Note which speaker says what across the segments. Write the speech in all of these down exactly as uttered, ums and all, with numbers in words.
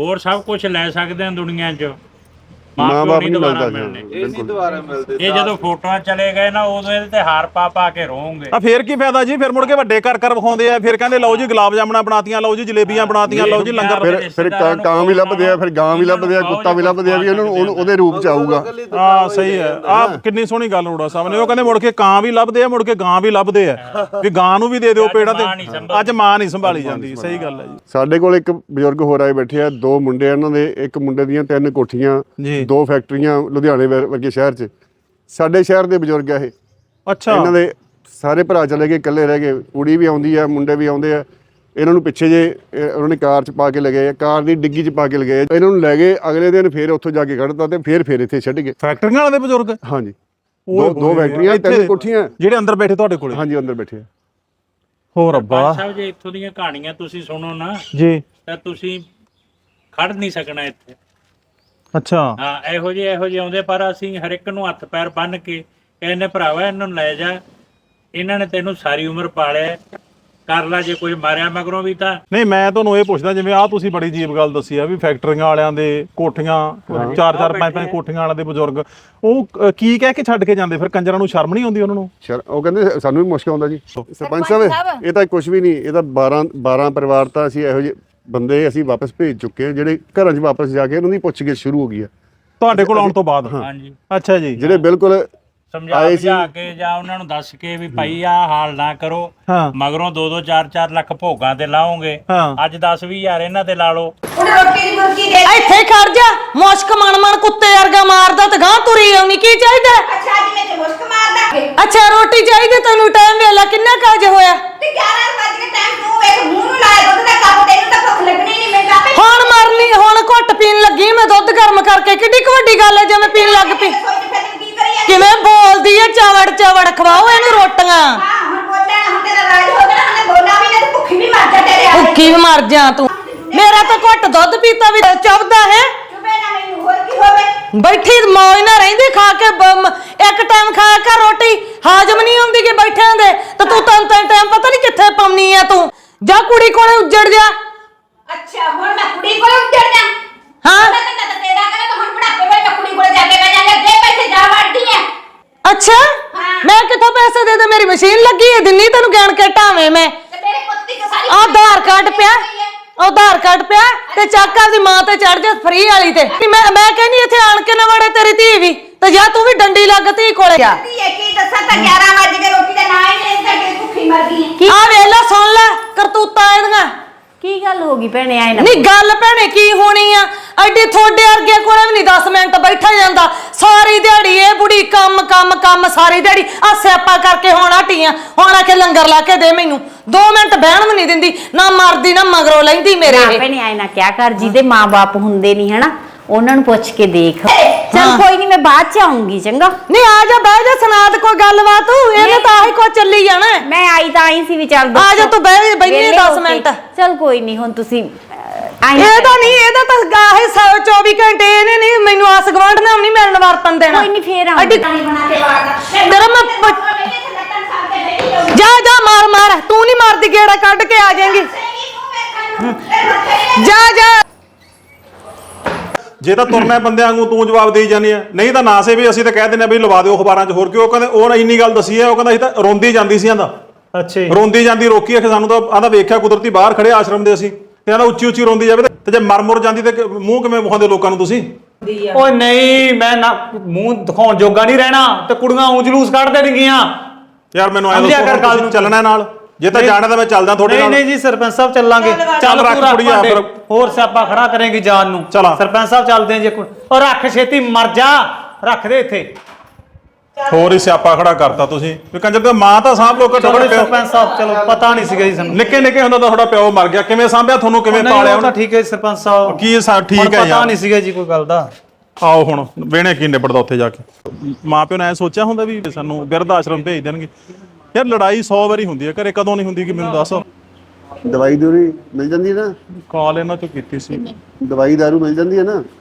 Speaker 1: ਹੋਰ ਸਭ ਕੁਝ ਲੈ ਸਕਦੇ ਆ ਦੁਨੀਆ 'ਚ,
Speaker 2: ਮਾਂ ਬਾਪ ਨਹੀਂ
Speaker 1: ਦੁਬਾਰਾ
Speaker 2: ਮਿਲਦਾ
Speaker 1: ਮਿਲਣੇ।
Speaker 2: ਇਹ ਨਹੀਂ ਦੁਬਾਰਾ ਮਿਲਦੇ।
Speaker 1: ਇਹ ਜਦੋਂ ਫੋਟੋਆਂ ਚਲੇ ਗਏ ਨਾ ਉਦੋਂ ਇਹਦੇ ਤੇ ਹਾਰ ਪਾ ਪਾ ਕੇ ਰੋਵਾਂਗੇ।
Speaker 3: ਆ ਫੇਰ ਕੀ ਫਾਇਦਾ ਜੀ, ਫਿਰ ਮੁੜ ਕੇ ਵੱਡੇ ਕਰ ਕਰ ਵਿਖਾਉਂਦੇ ਆ, ਫਿਰ ਕਹਿੰਦੇ ਲਓ ਜੀ ਗੁਲਾਬ ਜਾਮਣਾ ਬਣਾਤੀਆਂ, ਲਓ ਜੀ ਜਲੇਬੀਆਂ ਬਣਾਤੀਆਂ, ਲਓ ਜੀ ਲੰਗਰ।
Speaker 2: ਫਿਰ ਫਿਰ ਕਾਂ ਵੀ ਲੱਭਦੇ ਆ, ਫਿਰ ਗਾਂ ਵੀ ਲੱਭਦੇ ਆ, ਕੁੱਤਾ ਵੀ ਲੱਭਦੇ ਆ ਵੀ ਉਹਨੂੰ ਉਹਦੇ ਰੂਪ ਚ ਆਊਗਾ।
Speaker 3: ਹਾਂ ਸਹੀ ਹੈ, ਆ ਕਿੰਨੀ ਸੋਹਣੀ ਗੱਲ ਰੋੜਾ ਸਾਹਿਬ ਨੇ, ਉਹ ਕਹਿੰਦੇ ਮੁੜ ਕੇ ਕਾਂ ਵੀ ਲੱਭਦੇ ਆ, ਮੁੜ ਕੇ ਗਾਂ ਵੀ ਲੱਭਦੇ ਆ ਵੀ ਗਾਂ ਨੂੰ ਵੀ ਦੇ ਦਿਓ ਪੇੜਾ ਤੇ, ਅੱਜ ਮਾਂ ਨਹੀਂ ਸੰਭਾਲੀ ਜਾਂਦੀ। ਸਹੀ ਗੱਲ ਹੈ ਜੀ।
Speaker 2: ਸਾਡੇ ਕੋਲ ਇੱਕ ਬਜ਼ੁਰਗ ਹੋਰ ਆਏ ਬੈਠੇ ਆ, ਦੋ ਮੁੰਡੇ ਇਹਨਾਂ ਦੇ, ਇੱਕ ਮੁੰਡੇ ਦੀਆਂ ਤਿੰਨ ਕੋਠੀਆਂ, ਦੋ ਫੈਕਟਰੀਆਂ ਲੁਧਿਆਣੇ ਵਰਗੇ ਸ਼ਹਿਰ 'ਚ। ਸਾਡੇ ਸ਼ਹਿਰ ਦੇ ਬਜ਼ੁਰਗ ਆ ਇਹ।
Speaker 3: ਅੱਛਾ।
Speaker 2: ਇਹਨਾਂ ਦੇ ਸਾਰੇ ਭਰਾ ਚਲੇ ਗਏ, ਇਕੱਲੇ ਰਹਿ ਗਏ, ਕੁੜੀ ਵੀ ਆਉਂਦੀ ਆ, ਮੁੰਡੇ ਵੀ ਆਉਂਦੇ ਆ। ਇਹਨਾਂ ਨੂੰ ਪਿੱਛੇ ਜੇ ਉਹਨਾਂ ਨੇ ਕਾਰ 'ਚ ਪਾ ਕੇ ਲਗਾਏ, ਕਾਰ ਦੀ ਡਿੱਗੀ 'ਚ ਪਾ ਕੇ ਲਗਾਏ, ਇਹਨਾਂ ਨੂੰ ਲੈ ਗਏ। ਅਗਲੇ ਦਿਨ ਫੇਰ ਉੱਥੋਂ ਜਾ ਕੇ ਕੱਢਤਾ ਤੇ ਫੇਰ ਫੇਰ ਇੱਥੇ ਛੱਡ ਗਏ।
Speaker 3: ਫੈਕਟਰੀਆਂ ਵਾਲੇ ਦੇ ਬਜ਼ੁਰਗ?
Speaker 2: ਹਾਂਜੀ, ਦੋ ਦੋ ਫੈਕਟਰੀਆਂ, ਤਿੰਨ ਕੋਠੀਆਂ।
Speaker 3: ਜਿਹੜੇ ਅੰਦਰ ਬੈਠੇ ਤੁਹਾਡੇ ਕੋਲੇ?
Speaker 2: ਹਾਂਜੀ, ਅੰਦਰ ਬੈਠੇ ਆ।
Speaker 3: ਹੋਰ ਰੱਬਾ
Speaker 1: ਸਾਹਿਬ ਜੇ ਇੱਥੋਂ ਦੀਆਂ ਕਹਾਣੀਆਂ ਤੁਸੀਂ ਸੁਣੋ ਨਾ
Speaker 3: ਜੀ
Speaker 1: ਤਾਂ ਤੁਸੀਂ ਖੜ ਨਹੀਂ ਸਕਣਾ ਇੱਥੇ।
Speaker 3: ਅੱਛਾ।
Speaker 1: ਹਾਂ, ਇਹੋ ਜਿਹੇ ਇਹੋ ਜਿਹੇ ਆਉਂਦੇ, ਪਰ ਅਸੀਂ ਹਰ ਇੱਕ ਨੂੰ ਹੱਥ ਪੈਰ ਬੰਨ ਕੇ ਕਹਿੰਦੇ ਭਰਾਵਾ ਇਹਨਾਂ ਨੂੰ ਲੈ ਜਾ, ਇਹਨਾਂ ਨੇ ਤੈਨੂੰ ਸਾਰੀ ਉਮਰ ਪਾਲਿਆ, ਕਰ ਲਾ, ਜੇ ਕੋਈ ਮਾਰਿਆ ਮਗਰੋਂ ਵੀ ਤਾਂ।
Speaker 3: ਨਹੀਂ ਮੈਂ ਤੁਹਾਨੂੰ ਇਹ ਪੁੱਛਦਾ, ਜਿਵੇਂ ਆਹ ਤੁਸੀਂ ਬੜੀ ਅਜੀਬ ਗੱਲ ਦੱਸੀ ਆ ਵੀ ਫੈਕਟਰੀਆਂ ਵਾਲਿਆਂ ਦੇ ਕੋਠੀਆਂ, ਚਾਰ ਚਾਰ ਪੰਜ ਪੰਜ ਕੋਠੀਆਂ ਵਾਲਿਆਂ ਦੇ ਬਜ਼ੁਰਗ, ਉਹ ਕੀ ਕਹਿ ਕੇ ਛੱਡ ਕੇ ਜਾਂਦੇ? ਫਿਰ ਕੰਜਰਾਂ ਨੂੰ ਸ਼ਰਮ ਨਹੀਂ ਆਉਂਦੀ ਉਹਨਾਂ ਨੂੰ?
Speaker 2: ਉਹ ਕਹਿੰਦੇ ਸਾਨੂੰ ਵੀ ਮੁਸ਼ਕ ਆਉਂਦਾ ਜੀ। ਸਰਪੰਚ ਸਾਹਿਬ ਇਹ ਤਾਂ ਕੁਝ ਵੀ ਨਹੀਂ, ਇਹ ਤਾਂ ਬਾਰਾਂ ਬਾਰਾਂ ਪਰਿਵਾਰ ਤਾਂ ਅਸੀਂ ਇਹੋ ਜਿਹੇ ਬੰਦੇ ਅਸੀਂ ਵਾਪਸ ਭੇਜ ਚੁੱਕੇ ਹਾਂ, ਜਿਹੜੇ ਘਰਾਂ 'ਚ ਵਾਪਸ ਜਾ ਕੇ ਉਹਨਾਂ ਦੀ ਪੁੱਛਗਿੱਛ ਸ਼ੁਰੂ ਹੋ ਗਈ ਹੈ
Speaker 3: ਤੁਹਾਡੇ ਕੋਲ ਆਉਣ ਤੋਂ ਬਾਅਦ?
Speaker 1: ਹਾਂਜੀ।
Speaker 3: ਅੱਛਾ ਜੀ।
Speaker 2: ਜਿਹੜੇ ਬਿਲਕੁਲ
Speaker 1: ਸਮਝਾ ਬੁਝਾ ਕੇ ਜਾਂ ਉਹਨਾਂ ਨੂੰ ਦੱਸ ਕੇ ਵੀ ਭਾਈ ਆਹ ਹਾਲ ਨਾ ਕਰੋ, ਮਗਰੋਂ ਦੋ ਦੋ ਚਾਰ ਚਾਰ ਲੱਖ ਭੋਗਾਂ ਤੇ ਲਾਓਗੇ, ਅੱਜ ਦਸ ਵੀਹ ਹਜ਼ਾਰ ਇਹਨਾਂ ਤੇ ਲਾ ਲਓ।
Speaker 4: ਇੱਥੇ ਖੜ ਜਾ, ਮੁਸ਼ਕ ਮਣ ਮਣ ਕੁੱਤੇ ਵਰਗਾ ਮਾਰਦਾ ਤੇ ਗਾਂ ਤੁਰੀ ਆਉਣੀ। ਕੀ ਚਾਹੀਦਾ?
Speaker 5: ਅੱਛਾ ਅੱਜ ਮੈਂ ਤੇ ਮੁਸ਼ਕ ਮਾਰਦਾ।
Speaker 4: ਅੱਛਾ ਰੋਟੀ ਚਾਹੀਦੀ ਤੈਨੂੰ? ਟਾਈਮ ਵੇਲਾ ਕਿੰਨਾ ਕਾਜ ਹੋਇਆ?
Speaker 5: ਤੇ ਗਿਆਰਾਂ ਵਜੇ ਕੇ ਟਾਈਮ ਤੂੰ ਵੇਖ ਮੂੰਹ ਨੂੰ ਲਾਇਆ ਦੁੱਧ ਦਾ ਕੱਪ, ਤੈਨੂੰ ਤਾਂ ਭੁੱਖ ਲੱਗਣੀ ਨਹੀਂ। ਮੈਂ ਕਾਪੇ
Speaker 4: ਹੁਣ ਮਰਨੀ, ਹੁਣ ਘੁੱਟ ਪੀਣ ਲੱਗੀ ਮੈਂ ਦੁੱਧ ਗਰਮ ਕਰਕੇ। ਕਿੱਡੀ ਕੁ ਵੱਡੀ ਗੱਲ ਹੈ ਜੇ ਮੈਂ ਪੀਣ ਲੱਗ ਪਈ? ਕਿਵੇਂ ਬੋਲਦੀ ਹੈ, ਚਵੜ ਚਵੜ ਖਵਾਓ ਇਹਨੂੰ ਰੋਟੀਆਂ।
Speaker 5: ਹਾਂ ਹੁਣ ਬੋਲਿਆ, ਹੁਣ ਤੇਰਾ ਰਾਜ ਹੋ ਗਿਆ, ਹੁਣ ਬੋਲਣਾ ਵੀ ਨਹੀਂ, ਭੁੱਖੀ ਵੀ ਮਰ ਜਾ ਤੇਰੇ ਆ।
Speaker 4: ਭੁੱਖੀ ਵੀ ਮਰ ਜਾ ਤੂੰ। ਮੇਰਾ ਤਾਂ ਘੁੱਟ ਦੁੱਧ ਪੀਤਾ ਵੀ ਚੁੱਭਦਾ ਹੈ।
Speaker 5: ਚੁੱਪੇ ਨਾ ਮੈਨੂੰ, ਹੋਰ ਕੀ ਹੋਵੇ?
Speaker 4: ਬੈਠੀ ਮੌਜ ਨਾ ਰਹਿੰਦੀ, ਖਾ ਕੇ ਇੱਕ ਟਾਈਮ ਖਾਇਆ ਕਰ ਰੋਟੀ, ਹਾਜ਼ਮ ਨਹੀਂ ਹੁੰਦੀ ਕਿ ਬੈਠਿਆਂ ਦੇ। ਤੇ ਤੂੰ ਤਾਂ ਤਿੰਨ ਟਾਈਮ ਪਤਾ ਨਹੀਂ ਕਿੱਥੇ ਪਾਉਣੀ ਆ ਤੂੰ। ਜਾ ਕੁੜੀ ਕੋਲੇ ਉੱਜੜ ਜਾ।
Speaker 5: ਅੱਛਾ ਹੁਣ ਮੈਂ ਕੁੜੀ ਕੋਲ ਉੱਜੜ ਜਾ?
Speaker 4: ਹਾਂ
Speaker 5: ਮੈਂ ਤਾਂ ਤੇਰਾ ਕਰੇ ਤਾਂ ਹੁਣ ਬੁਢਾਪੇ ਵੇਲੇ ਮੈਂ ਕੁੜੀ ਕੋਲ ਜਾ ਕੇ ਬਹਿ ਜਾਂਗਾ। ਜੇ ਪੈਸੇ ਜਾ ਵੜਦੀ ਐ।
Speaker 4: ਅੱਛਾ ਮੈਂ ਕਿੱਥੋਂ ਪੈਸੇ ਦੇ ਦੇ? ਮੇਰੀ ਮਸ਼ੀਨ ਲੱਗੀ ਹੈ, ਦਿੰਨੀ ਤੈਨੂੰ ਗਿਣ ਕੇ ਢਾਵੇਂ ਮੈਂ।
Speaker 5: ਤੇ ਤੇਰੇ ਪੁੱਤ ਦੀ ਸਾਰੀ
Speaker 4: ਆਧਾਰ ਕਾਰਡ ਪਿਆ, ਆਧਾਰ ਕਾਰਡ ਪਿਆ ਤੇ ਚੱਕ ਆਪਦੀ ਮਾਂ ਤੇ ਚੜ ਜਾ ਫਰੀ ਵਾਲੀ ਤੇ। ਮੈਂ ਮੈਂ ਕਹਿੰਦੀ ਇੱਥੇ ਆਣ ਕੇ ਨਾ ਵੜੇ ਤੇਰੀ ਧੀ ਵੀ, ਤੇ ਜਾਂ ਤੂੰ ਵੀ ਡੰਡੀ ਲੱਗ ਧੀ ਕੋਲੇ ਜਾ।
Speaker 5: ਕੀ ਦੱਸਾਂ ਤਾਂ ਗਿਆਰਾਂ ਵਜੇ ਕੇ ਰੋਟੀ ਦਾ ਨਾਂ ਹੀ ਨਹੀਂ ਲੈਂਦਾ ਕਿ ਭੁੱਖੀ ਮਰ ਗਈ।
Speaker 4: ਆ ਵੇਖ ਲੈ, ਸੁਣ ਲੈ ਕਰਤੂਤਾਂ ਇਹਦੀਆਂ।
Speaker 6: ਕੀ ਗੱਲ ਹੋ ਗਈ ਭੈਣੇ? ਆਏ ਨਾ
Speaker 4: ਨਹੀਂ ਗੱਲ ਭੈਣੇ ਕੀ ਹੋਣੀ ਆ, ਐਡੀ ਥੋੜੇ ਵਰਗੇ ਕੋਲੇ ਵੀ ਨਹੀਂ ਦਸ ਮਿੰਟ ਬੈਠਾ ਜਾਂਦਾ। ਸਾਰੀ ਦਿਹਾੜੀ ਇਹ ਬੁੜੀ ਕੰਮ ਕੰਮ ਕੰਮ, ਸਾਰੀ ਦਿਹਾੜੀ ਆ ਸਿਆਪਾ ਕਰਕੇ ਹੁਣ ਹਟੀਆਂ। ਹੁਣ ਆ ਕੇ ਲੰਗਰ ਲਾ ਕੇ ਦੇ ਮੈਨੂੰ, ਦੋ ਮਿੰਟ ਬਹਿਣ ਵੀ ਨਹੀਂ ਦਿੰਦੀ, ਨਾ ਮਰਦੀ ਨਾ ਮਗਰੋਂ ਲੈਂਦੀ ਮੇਰੇ।
Speaker 6: ਭੈਣੇ ਆਏ ਨਾ ਕਿਆ ਕਰ, ਜਿਹਦੇ ਮਾਂ-ਬਾਪ ਹੁੰਦੇ ਨਹੀਂ ਹਨਾ, ਉਹਨਾਂ ਨੂੰ ਪੁੱਛ ਕੇ ਦੇਖ। ਚਲ ਕੋਈ ਨਹੀਂ, ਮੈਂ ਬਾਅਦ ਚ ਆਉਂਗੀ। ਚੰਗਾ
Speaker 4: ਨਹੀਂ ਆ ਜਾ, ਬਹਿ ਜਾ, ਸੁਣਾ ਦੇ ਕੋਈ ਗੱਲਬਾਤ। ਇਹਨੇ ਤਾਂ ਆਹੀ ਕੋ ਚੱਲੀ ਜਾਣਾ।
Speaker 6: ਮੈਂ ਆਈ ਤਾਂ ਆਈ ਸੀ ਵੀ ਚੱਲ
Speaker 4: ਆ ਜਾ ਤੂੰ, ਬਹਿ ਬੈਠੀ ਦਸ ਮਿੰਟ।
Speaker 6: ਚਲ ਕੋਈ ਨਹੀਂ, ਹੁਣ ਤੁਸੀਂ
Speaker 4: ਇਹਦਾ ਨਹੀਂ, ਇਹਦਾ ਤਾਂ ਗਾਹੇ ਚੌਵੀ ਘੰਟੇ ਇਹਨੇ ਨਹੀਂ ਮੈਨੂੰ ਆਸ ਗਵਾਂਢ ਨਾਲ ਨਹੀਂ ਮਿਲਣ ਵਰਤਨ ਦੇਣਾ।
Speaker 6: ਕੋਈ ਨਹੀਂ, ਫੇਰ ਆਉਂਗੀ।
Speaker 4: ਤੇਰਾ ਮੈਂ ਜਾ ਜਾ ਮਾਰ ਮਾਰ, ਤੂੰ ਨਹੀਂ ਮਾਰਦੀ, ਗੇੜਾ ਕੱਢ ਕੇ ਆ ਜਾਏਂਗੀ। ਜਾ ਜਾ।
Speaker 3: ਜੇ ਤਾਂ ਤੁਰਨਾ ਬੰਦਿਆਂ ਵਾਂਗੂ ਤੂੰ ਜਵਾਬ ਦੇਈ ਜਾਂਦੀ ਆ, ਨਹੀਂ ਤਾਂ ਨਾ ਸੇ ਵੀ ਅਸੀਂ ਤਾਂ ਕਹਿ ਦਿੰਦੇ ਆ ਵੀ ਲਵਾ ਦਿਓ ਅਖਬਾਰਾਂ 'ਚ। ਹੋਰ ਕਿਉਂ? ਕਹਿੰਦੇ ਉਹ ਇੰਨੀ ਗੱਲ ਦੱਸੀ ਹੈ, ਉਹ ਕਹਿੰਦਾ ਅਸੀਂ ਤਾਂ ਰੋਂਦੀ ਜਾਂਦੀ ਸੀ। ਆਂਦਾ
Speaker 7: ਅੱਛਾ
Speaker 3: ਰੋਂਦੀ ਜਾਂਦੀ ਰੋਕੀ ਆਖੇ ਸਾਨੂੰ ਤਾਂ। ਆਂਦਾ ਵੇਖਿਆ ਕੁਦਰਤੀ ਬਾਹਰ ਖੜੇ ਆਸ਼ਰਮ ਦੇ ਅਸੀਂ, ਤੇ ਆਂਦਾ ਉੱਚੀ ਉੱਚੀ ਰੋਂਦੀ ਜਾਵੇ ਤੇ ਜੇ ਮਰ ਮੁਰ ਜਾਂਦੀ ਤੇ ਮੂੰਹ ਕਿਵੇਂ ਵਿਖਾਉਂਦੇ ਲੋਕਾਂ ਨੂੰ ਤੁਸੀਂ?
Speaker 7: ਓਏ ਨਹੀਂ, ਮੈਂ ਨਾ ਮੂੰਹ ਦਿਖਾਉਣ ਜੋਗਾ ਨਹੀਂ ਰਹਿਣਾ, ਤੇ ਕੁੜੀਆਂ ਊਂ ਜਲੂਸ ਕੱਢ ਦੇਣਗੀਆਂ
Speaker 3: ਯਾਰ ਮੈਨੂੰ ਐਂ ਦੱਸੋ, ਚੱਲਣਾ ਨਾਲ? ਜੇ ਤਾਂ ਜਾਣਾ ਤਾਂ ਮੈਂ ਚੱਲਦਾ ਤੁਹਾਡੇ ਨਾਲ।
Speaker 7: ਨਹੀਂ ਨਹੀਂ ਜੀ ਸਰਪੰਚ ਸਾਹਿਬ ਚੱਲਾਂਗੇ।
Speaker 3: ਚੱਲ ਰੱਖ ਕੁੜੀਆ ਫਿਰ,
Speaker 7: ਹੋਰ ਸਿਆਪਾ ਖੜਾ ਕਰੇਗੀ ਜਾਨ ਨੂੰ।
Speaker 3: ਚਲ
Speaker 7: ਸਰਪੰਚ ਸਾਹਿਬ ਚੱਲਦੇ ਜੇ। ਔਰ ਰੱਖ ਛੇਤੀ, ਮਰ ਜਾ, ਰੱਖ ਦੇ ਇੱਥੇ।
Speaker 3: ਹੋਰ ਹੀ ਸਿਆਪਾ ਖੜਾ ਕਰਤਾ ਤੁਸੀਂ ਵੀ ਕੰਜਰ ਤੇ ਮਾਂ ਤਾਂ ਸਾਂਭ ਲੋ। ਘੱਟੋ ਘੱਟ
Speaker 7: ਸਰਪੰਚ ਸਾਹਿਬ ਚਲੋ, ਪਤਾ ਨਹੀਂ ਸੀਗਾ ਜੀ ਸਾਨੂੰ।
Speaker 3: ਨਿੱਕੇ ਨਿੱਕੇ ਹੁੰਦਾ ਤਾਂ ਤੁਹਾਡਾ ਪਿਓ ਮਰ ਗਿਆ, ਕਿਵੇਂ ਸਾਂਭਿਆ ਤੁਹਾਨੂੰ, ਕਿਵੇਂ ਪਾਲਿਆ ਉਹਨੇ?
Speaker 7: ਠੀਕ ਹੈ ਸਰਪੰਚ ਸਾਹਿਬ,
Speaker 3: ਕੀ ਠੀਕ ਹੈ ਯਾਰ,
Speaker 7: ਪਤਾ ਨਹੀਂ ਸੀਗਾ ਜੀ ਕੋਈ ਗੱਲ ਦਾ।
Speaker 3: ਆਓ ਹੁਣ ਵੇਣੇ ਕੀ ਨਿਬੜਦਾ ਉੱਥੇ ਜਾ ਕੇ। ਮਾਂ ਪਿਓ ਨੇ ਐ ਸੋਚਿਆ ਹੁੰਦਾ ਵੀ ਸਾਨੂੰ ਬਿਰਧ ਆਸ਼ਰਮ ਭੇਜ ਦੇਣਗੇ? ਯਾਰ ਲੜਾਈ ਸੌ ਵਾਰੀ ਹੁੰਦੀ ਹੈ ਘਰੇ, ਕਦੋਂ ਨਹੀਂ ਹੁੰਦੀ ਕਿ ਮੈਨੂੰ ਦੱਸ।
Speaker 2: ਦਵਾਈ ਦੂਰੀ ਮਿਲ ਜਾਂਦੀ ਹੈ ਨਾ?
Speaker 3: ਕਾਲ ਇਹਨਾਂ ਚੋਂ ਕੀਤੀ ਸੀ।
Speaker 2: ਦਵਾਈ ਦਾਰੂ ਮਿਲ ਜਾਂਦੀ ਹੈ ਨਾ?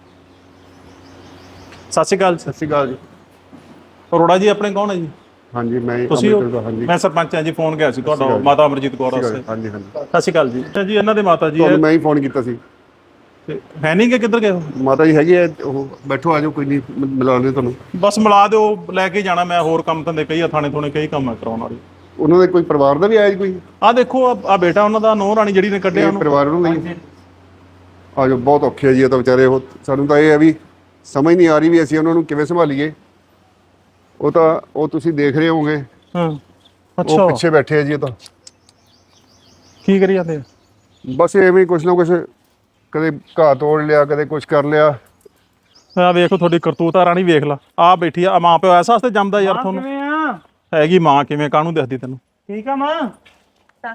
Speaker 3: ਸਤਿ ਸ਼੍ਰੀ ਅਕਾਲ।
Speaker 2: ਸਤਿ ਸ਼੍ਰੀ ਅਕਾਲ ਜੀ।
Speaker 3: ਅਰੋੜਾ ਜੀ ਆਪਣੇ ਕੌਣ ਹੈ ਜੀ?
Speaker 2: ਹਾਂਜੀ ਮੈਂ
Speaker 3: ਤੁਸੀਂ?
Speaker 2: ਹਾਂਜੀ
Speaker 3: ਮੈਂ ਸਰਪੰਚ ਹਾਂ ਜੀ। ਫੋਨ ਗਿਆ ਸੀ ਤੁਹਾਡਾ, ਮਾਤਾ ਅਮਰਜੀਤ ਕੌਰ ਵਾਸਤੇ।
Speaker 2: ਹਾਂਜੀ ਹਾਂਜੀ
Speaker 3: ਸਤਿ ਸ਼੍ਰੀ ਅਕਾਲ ਜੀ। ਜੀ ਇਹਨਾਂ ਦੇ ਮਾਤਾ ਜੀ
Speaker 2: ਤੁਹਾਨੂੰ ਮੈਂ ਹੀ ਫੋਨ ਕੀਤਾ ਸੀ।
Speaker 3: ਤੇ ਹੈ ਨਹੀਂ ਕਿ ਕਿੱਧਰ ਗਏ ਉਹ?
Speaker 2: ਮਾਤਾ ਜੀ ਹੈਗੇ ਆ, ਉਹ ਬੈਠੋ, ਆ ਜਾਓ, ਕੋਈ ਨਹੀਂ, ਮਿਲਾ ਦਿਓ ਤੁਹਾਨੂੰ।
Speaker 3: ਬਸ ਮਿਲਾ ਦਿਓ, ਲੈ ਕੇ ਜਾਣਾ ਮੈਂ, ਹੋਰ ਕੰਮ ਧੰਦੇ ਕਈ ਆ, ਥਾਣੇ ਥੋਣੇ ਕਈ ਕੰਮ ਆ ਕਰਾਉਣ ਵਾਲੇ।
Speaker 2: ਉਹਨਾਂ ਦੇ ਕੋਈ ਪਰਿਵਾਰ ਦਾ ਵੀ ਆਇਆ ਜੀ ਕੋਈ?
Speaker 3: ਆਹ ਦੇਖੋ ਆ ਬੇਟਾ ਉਹਨਾਂ ਦਾ, ਨੂੰਹ ਰਾਣੀ ਜਿਹੜੀ ਨੇ ਕੱਢਿਆ
Speaker 2: ਇਹ
Speaker 3: ਉਹਨੂੰ।
Speaker 2: ਪਰਿਵਾਰ ਨੂੰ ਨਹੀਂ ਆ ਜਾਓ, ਬਹੁਤ ਔਖੇ ਆ ਜੀ ਇਹ ਤਾਂ ਵਿਚਾਰੇ। ਉਹ ਸਾਨੂੰ ਤਾਂ ਇਹ ਹੈ ਵੀ ਸਮਝ ਨਹੀਂ ਆ ਰਹੀ ਵੀ ਅਸੀਂ ਉਹਨਾਂ ਨੂੰ ਕਿਵੇਂ ਸੰਭਾਲੀਏ। ਉਹ ਤਾਂ ਉਹ ਤੁਸੀਂ ਦੇਖ ਰਹੇ ਹੋਵੋਗੇ,
Speaker 3: ਹਾਂ
Speaker 2: ਉਹ
Speaker 3: ਅੱਛਾ,
Speaker 2: ਪਿੱਛੇ ਬੈਠੇ ਆ ਜੀ। ਇਹ ਤਾਂ
Speaker 3: ਕੀ ਕਰੀ ਜਾਂਦੇ ਆ?
Speaker 2: ਬਸ ਐਵੇਂ ਕੁਛ ਨਾ ਕੁਛ, ਕਦੇ ਘਾਹ ਤੋੜ ਲਿਆ, ਕਦੇ ਕੁਛ ਕਰ ਲਿਆ।
Speaker 3: ਆ ਵੇਖੋ ਤੁਹਾਡੀ ਕਰਤੂਤ ਆ ਰਾਣੀ, ਵੇਖ ਲਾ ਆ ਬੈਠੀ ਆ। ਮਾਂ ਪਿਓ ਐਸਾ ਵਾਸਤੇ ਜੰਮਦਾ ਯਾਰ ਤੁਹਾਨੂੰ।
Speaker 7: ਕਿਵੇਂ ਆ?
Speaker 3: ਹੈਗੀ ਮਾਂ ਕਿਵੇਂ, ਕਾਹਨੂੰ ਦਿਖਦੀ ਤੈਨੂੰ?
Speaker 7: ਠੀਕ ਆ ਮਾਂ?
Speaker 3: ਸਤਿ